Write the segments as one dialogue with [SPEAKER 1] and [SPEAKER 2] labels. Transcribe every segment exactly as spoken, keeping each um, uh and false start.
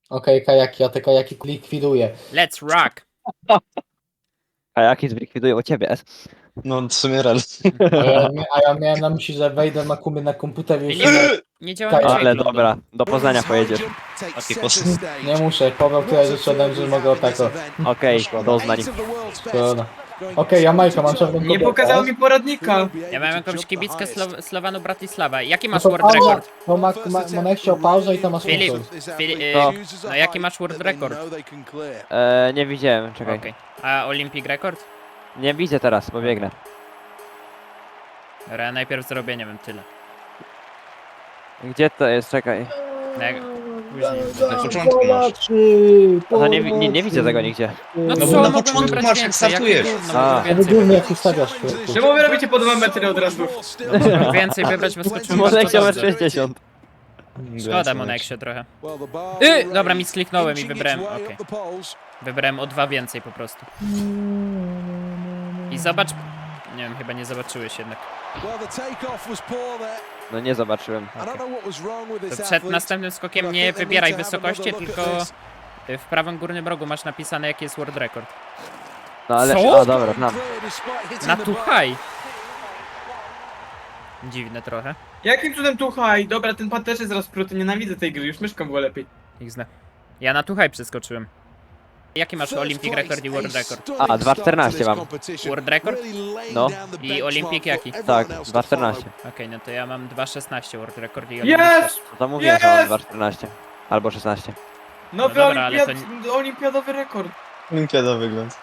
[SPEAKER 1] Okej, okay, kajaki, ja te kajaki likwiduję.
[SPEAKER 2] Let's rock!
[SPEAKER 3] A jaki zlikwidują ciebie?
[SPEAKER 4] No w sumie rel.
[SPEAKER 1] A ja, a ja miałem na myśli, że wejdę na kumie na komputer i już...
[SPEAKER 2] Filip, nie działa mi
[SPEAKER 1] Ale
[SPEAKER 2] dźwięk
[SPEAKER 3] Ale
[SPEAKER 2] lądu.
[SPEAKER 3] dobra, do Poznania pojedziesz.
[SPEAKER 4] Taki pos...
[SPEAKER 1] Nie muszę, Paweł tyle rzeczy ode mnie, że mogę o tako.
[SPEAKER 3] Okej, doznań.
[SPEAKER 1] Szkoda. Okej, Jamajka, mam czarną
[SPEAKER 5] Nie
[SPEAKER 1] kobietę.
[SPEAKER 5] pokazał mi poradnika.
[SPEAKER 2] Ja mam jakąś kibickę Slo Slowanu Bratislava. Jaki
[SPEAKER 1] No
[SPEAKER 2] masz
[SPEAKER 1] to
[SPEAKER 2] world
[SPEAKER 1] pauza,
[SPEAKER 2] record?
[SPEAKER 1] to ma, ma, Monek chciał pauzę i to masz
[SPEAKER 2] Filip,
[SPEAKER 1] funkcję.
[SPEAKER 2] Filip,
[SPEAKER 3] No.
[SPEAKER 2] no jaki masz world record?
[SPEAKER 3] Eee, nie widziałem, czekaj.
[SPEAKER 2] Okej. A Olympic record?
[SPEAKER 3] Nie widzę teraz, bo biegnę.
[SPEAKER 2] Dobra, ja najpierw zrobię, nie wiem, tyle.
[SPEAKER 3] Gdzie to jest? Czekaj.
[SPEAKER 2] No, jak... Później.
[SPEAKER 4] Na początku masz.
[SPEAKER 3] No to nie, wi- nie, nie widzę tego nigdzie.
[SPEAKER 2] No
[SPEAKER 4] No
[SPEAKER 2] co,
[SPEAKER 4] bo na
[SPEAKER 2] mogłem
[SPEAKER 4] początku
[SPEAKER 2] wybrać
[SPEAKER 4] masz, jak
[SPEAKER 2] więcej,
[SPEAKER 4] startujesz.
[SPEAKER 2] jakie gówno,
[SPEAKER 3] A.
[SPEAKER 2] mogłem
[SPEAKER 1] Ja
[SPEAKER 2] więcej
[SPEAKER 1] wygląda
[SPEAKER 2] wybrać.
[SPEAKER 1] jak ustawiasz chwilku.
[SPEAKER 5] Czemu wy robicie po dwa metry od razu?
[SPEAKER 2] Mogłem więcej wybrać, bo skoczyłem
[SPEAKER 3] Może
[SPEAKER 2] bardzo
[SPEAKER 3] chciałem
[SPEAKER 2] dobrze.
[SPEAKER 3] sześćdziesiąt.
[SPEAKER 2] Szkoda Moneksie trochę. Y, dobra, mi skliknąłem i wybrałem, okej. Wybrałem o dwa więcej po prostu. I zobacz... Nie wiem, chyba nie zobaczyłeś jednak.
[SPEAKER 3] No nie zobaczyłem.
[SPEAKER 2] To przed następnym skokiem nie wybieraj wysokości, tylko w prawym górnym rogu masz napisane jaki jest world record.
[SPEAKER 3] No ale...
[SPEAKER 2] Co?
[SPEAKER 3] A dobra, znam.
[SPEAKER 2] Na too high. Dziwne trochę.
[SPEAKER 5] Jakim cudem tu haj? Dobra, ten pan też jest rozpruty, nienawidzę tej gry, już myszką było lepiej.
[SPEAKER 2] Ich zna. Ja na too high przeskoczyłem. Jaki masz Olympic record i world record?
[SPEAKER 3] A, dwa czternaście mam.
[SPEAKER 2] World record?
[SPEAKER 3] No.
[SPEAKER 2] I Olympic jaki?
[SPEAKER 3] Tak, dwa czternaście.
[SPEAKER 2] Okej, no to ja mam dwa szesnaście world record i Olympic
[SPEAKER 5] Jest!
[SPEAKER 3] No to mówiłem, że mam
[SPEAKER 5] Jest!
[SPEAKER 3] dwa czternaście. Albo szesnaście.
[SPEAKER 5] Nowy
[SPEAKER 2] No dobra, ale
[SPEAKER 5] olimpiad... olimpiadowy rekord.
[SPEAKER 4] Olimpiada wygląd.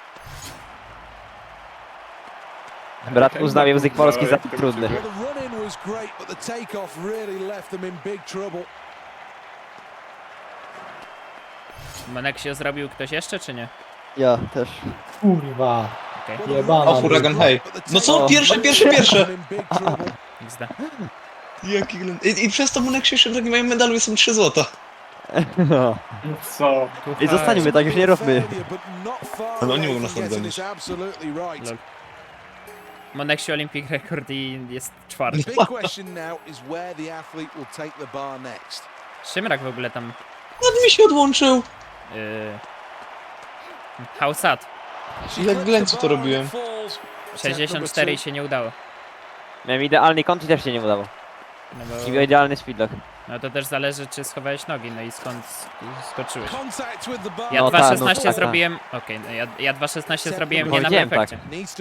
[SPEAKER 3] Brat uznał język polski za trudny.
[SPEAKER 2] Moneksie zrobił ktoś jeszcze, czy nie?
[SPEAKER 3] Ja też.
[SPEAKER 1] Kurwa.
[SPEAKER 2] Okej,
[SPEAKER 1] Jebana.
[SPEAKER 4] O, huragan, hej. No co?
[SPEAKER 3] O.
[SPEAKER 4] Pierwsze, pierwsze, pierwsze!
[SPEAKER 2] ich zna.
[SPEAKER 4] Jaki ględ. I, I przez to Monek się jeszcze w takim moim medalu są trzy złota.
[SPEAKER 3] No.
[SPEAKER 5] Co?
[SPEAKER 2] Too
[SPEAKER 3] I
[SPEAKER 2] high.
[SPEAKER 3] zostańmy tak, już nie róbmy.
[SPEAKER 4] Ale oni mogą nas nadgonić.
[SPEAKER 2] Lol. Moneksie Olympic record i jest czwarty. Szymrak w ogóle tam...
[SPEAKER 4] Nad mi się odłączył.
[SPEAKER 2] Yy... How sad.
[SPEAKER 4] Jak glęcu to robiłem.
[SPEAKER 2] sześćdziesiąt cztery i się nie udało.
[SPEAKER 3] Miałem idealny kąt i też się nie udało.
[SPEAKER 2] No, bo...
[SPEAKER 3] I idealny speedlock.
[SPEAKER 2] no to też zależy, czy schowałeś nogi, no i skąd sk- skoczyłeś. Ja
[SPEAKER 3] No
[SPEAKER 2] dwa
[SPEAKER 3] tak, no
[SPEAKER 2] szesnaście
[SPEAKER 3] tak,
[SPEAKER 2] zrobiłem... Okej, no ja, ja dwa szesnaście zrobiłem nie na
[SPEAKER 3] Powiedziałem
[SPEAKER 2] perfekcie.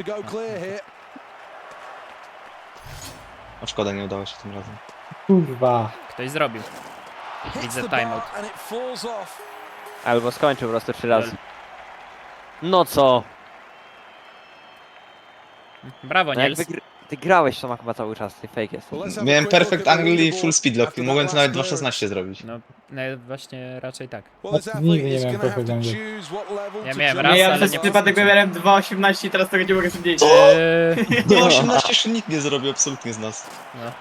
[SPEAKER 4] A szkoda, nie udało się tym razem.
[SPEAKER 1] Kurwa.
[SPEAKER 2] Ktoś zrobił. Widzę timeout.
[SPEAKER 3] Albo skończył po prostu trzy razy. No co?
[SPEAKER 2] Brawo,
[SPEAKER 3] No
[SPEAKER 2] Niels.
[SPEAKER 3] jakby gr ty grałeś to chyba cały czas, ty fake jest.
[SPEAKER 4] Miałem perfect angle i full speedlock i mogłem to nawet dwa szesnaście zrobić.
[SPEAKER 2] No, no właśnie raczej tak.
[SPEAKER 1] Nigdy nie miałem perfect angle.
[SPEAKER 2] Ja miałem raz,
[SPEAKER 5] Nie, ja
[SPEAKER 2] ale
[SPEAKER 5] przez
[SPEAKER 2] nie
[SPEAKER 5] przypadek
[SPEAKER 2] przeskoczyłem.
[SPEAKER 5] wybierałem dwa osiemnaście i teraz tego nie mogę zdjąć.
[SPEAKER 2] Eee,
[SPEAKER 4] dwa osiemnaście jeszcze nikt nie zrobił absolutnie z nas.
[SPEAKER 2] no.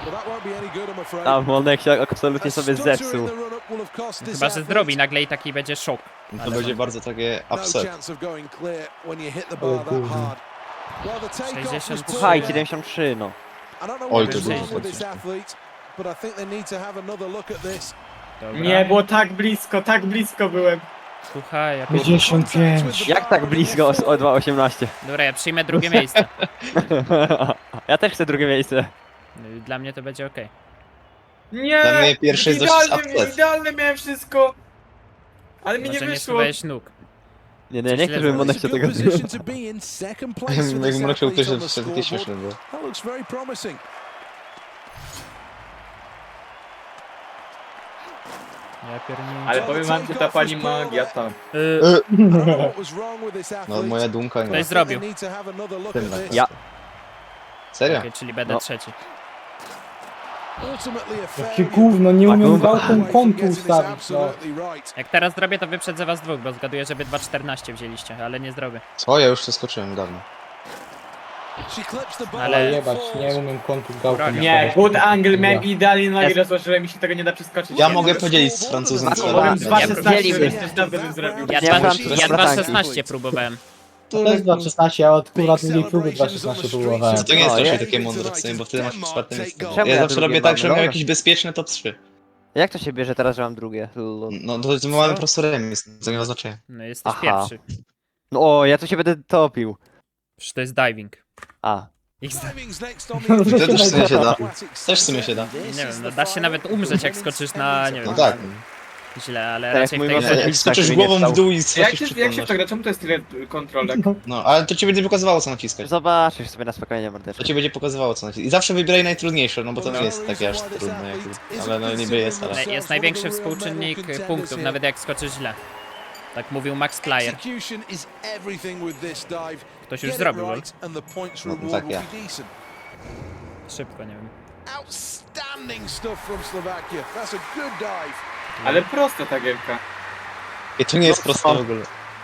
[SPEAKER 3] A Monek się absolutnie sobie zepsuł.
[SPEAKER 2] Chyba, że zrobi nagle i taki będzie szok.
[SPEAKER 4] To
[SPEAKER 2] Ale
[SPEAKER 4] będzie
[SPEAKER 2] no.
[SPEAKER 4] bardzo takie upset.
[SPEAKER 2] sześćdziesiąt trzy.
[SPEAKER 3] Słuchaj, siedemdziesiąt trzy, no.
[SPEAKER 4] Oj, to
[SPEAKER 2] dużo Dobra.
[SPEAKER 5] Nie, było tak blisko, tak blisko byłem.
[SPEAKER 2] Słuchaj, ja...
[SPEAKER 1] pięćdziesiąt pięć.
[SPEAKER 3] Jak tak blisko o, o dwa osiemnaście?
[SPEAKER 2] Dobra, ja przyjmę drugie miejsce.
[SPEAKER 3] Ja też chcę drugie miejsce.
[SPEAKER 2] Dla mnie to będzie okej.
[SPEAKER 5] Nie!
[SPEAKER 4] Dla mnie pierwszy jest dość
[SPEAKER 5] idealnie,
[SPEAKER 4] upset.
[SPEAKER 5] idealnie miałem wszystko. Ale mi nie
[SPEAKER 2] Może nie
[SPEAKER 5] wyszło.
[SPEAKER 2] schowałeś nóg.
[SPEAKER 3] Nie, nie, nie chcę, żeby Monek się tego...
[SPEAKER 4] Jak Monek chciał ktoś, to wtedy takie śmieszne było.
[SPEAKER 2] Ja pierniczę.
[SPEAKER 5] Ale powiem wam, że ta pani magia tam.
[SPEAKER 2] Yy,
[SPEAKER 4] No moja dumka nie.
[SPEAKER 2] Ktoś zrobił.
[SPEAKER 3] Ja.
[SPEAKER 4] Serio?
[SPEAKER 2] Okej, czyli będę
[SPEAKER 3] No.
[SPEAKER 2] trzeci.
[SPEAKER 1] Jakie gówno, nie
[SPEAKER 3] A
[SPEAKER 1] umiem
[SPEAKER 3] gówno.
[SPEAKER 1] gałką kątu ustawić, no.
[SPEAKER 2] Jak teraz zrobię, to wyprzedzę was dwóch, bo zgaduję, żeby dwa czternaście wzięliście, ale nie zrobię.
[SPEAKER 4] Co? Ja już przeskoczyłem dawno.
[SPEAKER 1] Ale
[SPEAKER 2] Ale...
[SPEAKER 1] jebać, nie umiem kątu gałką
[SPEAKER 2] Broń.
[SPEAKER 5] Nie,
[SPEAKER 1] ustawić.
[SPEAKER 5] good angle miałem idealnie na
[SPEAKER 3] Jest.
[SPEAKER 5] ile złożyłem mi się tego nie da przeskoczyć.
[SPEAKER 4] Ja mogę podzielić z Francuzem co
[SPEAKER 5] Powiem
[SPEAKER 3] Ja
[SPEAKER 5] dwa szesnaście,
[SPEAKER 3] dzieliłbym.
[SPEAKER 5] też dawno bym zrobił.
[SPEAKER 2] Ja
[SPEAKER 3] Nie,
[SPEAKER 2] dwa,
[SPEAKER 3] Francuz,
[SPEAKER 2] ja dwa
[SPEAKER 3] bratanki.
[SPEAKER 2] szesnaście próbowałem.
[SPEAKER 1] To jest dwa szesnaście, ja od kurwa drugiej próby dwa szesnaście próbowałem.
[SPEAKER 4] To nie jest
[SPEAKER 3] No,
[SPEAKER 4] raczej
[SPEAKER 3] nie?
[SPEAKER 4] takie mądre w sumie, bo wtedy masz czwarte miejsce.
[SPEAKER 3] Czemu
[SPEAKER 4] Ja
[SPEAKER 3] ja
[SPEAKER 4] zawsze
[SPEAKER 3] drugie
[SPEAKER 4] robię
[SPEAKER 3] mam?
[SPEAKER 4] tak, że miał
[SPEAKER 3] Dobra.
[SPEAKER 4] jakieś bezpieczne top trzy.
[SPEAKER 3] Jak to się bierze teraz, że mam drugie? Lol.
[SPEAKER 4] No to, to mamy po prostu remis, to nie ma znaczenia.
[SPEAKER 2] No jesteś
[SPEAKER 3] Aha.
[SPEAKER 2] pierwszy.
[SPEAKER 3] No o, ja tu się będę topił.
[SPEAKER 2] Przecież to jest diving.
[SPEAKER 3] A.
[SPEAKER 2] X
[SPEAKER 4] To też w sumie się da. Też w sumie się da.
[SPEAKER 2] Nie wiem, no da się nawet umrzeć jak skoczysz na, nie wiem,
[SPEAKER 4] No tak.
[SPEAKER 2] źle, ale
[SPEAKER 3] Tak jak
[SPEAKER 2] raczej w
[SPEAKER 3] mój
[SPEAKER 2] tej
[SPEAKER 3] może-
[SPEAKER 2] grze...
[SPEAKER 4] Jak
[SPEAKER 3] Tak,
[SPEAKER 4] skoczysz
[SPEAKER 3] żeby nie
[SPEAKER 4] głową w
[SPEAKER 3] wstał.
[SPEAKER 4] dół i
[SPEAKER 5] Jak
[SPEAKER 4] stracisz
[SPEAKER 5] się, jak się w to
[SPEAKER 4] przytomność.
[SPEAKER 5] gra? Czemu to jest tyle kontrolek?
[SPEAKER 4] No, ale to ci będzie pokazywało co naciskać.
[SPEAKER 3] Zobaczysz sobie na spokojnie,
[SPEAKER 4] To
[SPEAKER 3] mordeczko.
[SPEAKER 4] ci będzie pokazywało co naciskać. I zawsze wybieraj najtrudniejsze, no bo to nie jest takie aż trudne, jakby. Ale no niby jest, ale...
[SPEAKER 2] Jest największy współczynnik punktów, nawet jak skoczysz źle. Tak mówił Max Player. Ktoś już zrobił, lol.
[SPEAKER 4] No, tak, ja.
[SPEAKER 2] Szybko, nie wiem.
[SPEAKER 6] Outstanding stuff from Slovakia. That's a good dive.
[SPEAKER 5] Ale prosta ta gierka.
[SPEAKER 4] I to nie jest
[SPEAKER 3] No,
[SPEAKER 4] proste
[SPEAKER 3] co?
[SPEAKER 4] w ogóle.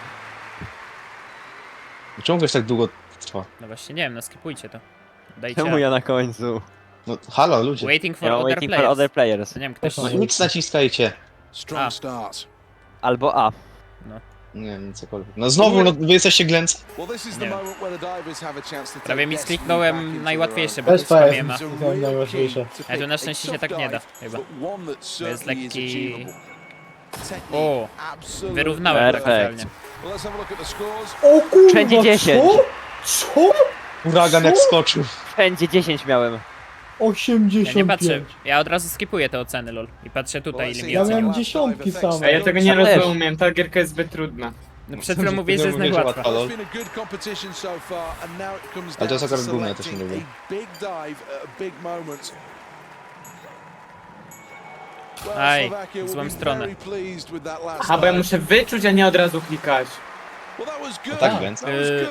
[SPEAKER 4] Czemu ktoś tak długo trwa?
[SPEAKER 2] No właśnie, nie wiem, no skipujcie to. Dajcie...
[SPEAKER 3] Czemu ja na końcu?
[SPEAKER 4] No halo ludzie.
[SPEAKER 2] Waiting for
[SPEAKER 3] Ja mam
[SPEAKER 2] other
[SPEAKER 3] waiting for
[SPEAKER 2] players.
[SPEAKER 3] other players.
[SPEAKER 2] To nie wiem, ktoś...
[SPEAKER 4] No nic naciskajcie.
[SPEAKER 6] Strong
[SPEAKER 2] Ah.
[SPEAKER 6] start.
[SPEAKER 3] Albo A.
[SPEAKER 4] Nie wiem, cokolwiek. No znowu, no wy jesteście glęcy.
[SPEAKER 6] Well, this is the
[SPEAKER 2] Nie.
[SPEAKER 6] moment where the divers have a chance to
[SPEAKER 2] Prawie
[SPEAKER 6] take
[SPEAKER 2] mi
[SPEAKER 6] destiny back
[SPEAKER 2] skliknąłem
[SPEAKER 6] into
[SPEAKER 2] najłatwiejsze,
[SPEAKER 6] their
[SPEAKER 2] bo
[SPEAKER 1] Bez
[SPEAKER 2] to jest kamiema.
[SPEAKER 1] P S.
[SPEAKER 6] own.
[SPEAKER 1] To jest najważniejsze.
[SPEAKER 2] Ale to na szczęście się tak nie da, chyba. To jest lekki... O, wyrównałem tak
[SPEAKER 3] Perfekt.
[SPEAKER 2] realnie.
[SPEAKER 1] O kurwa,
[SPEAKER 3] Wszędzie dziesięć.
[SPEAKER 1] co? Co?
[SPEAKER 4] Huragan jak skoczył.
[SPEAKER 3] Wszędzie dziesięć miałem.
[SPEAKER 2] Ja nie
[SPEAKER 1] osiemdziesiąt
[SPEAKER 2] patrzę,
[SPEAKER 1] pięć.
[SPEAKER 2] ja od razu skipuję te oceny, lol. I patrzę tutaj, ile mi
[SPEAKER 1] Ja
[SPEAKER 2] ocenił.
[SPEAKER 1] miałem dziesiątki same.
[SPEAKER 5] A ja tego nie
[SPEAKER 3] Ja też.
[SPEAKER 5] rozumiem, ta gierka jest zbyt trudna.
[SPEAKER 2] No przed chwilą mówię, że jest
[SPEAKER 4] Mówię, że
[SPEAKER 2] najłatwa.
[SPEAKER 4] łatwa, lol.
[SPEAKER 6] Ale
[SPEAKER 4] to jest akurat gówno, ja też nie lubię.
[SPEAKER 2] Aj, w złą stronę.
[SPEAKER 5] Aha, bo ja muszę wyczuć, a nie od razu klikać.
[SPEAKER 4] No tak więc.
[SPEAKER 2] Yy.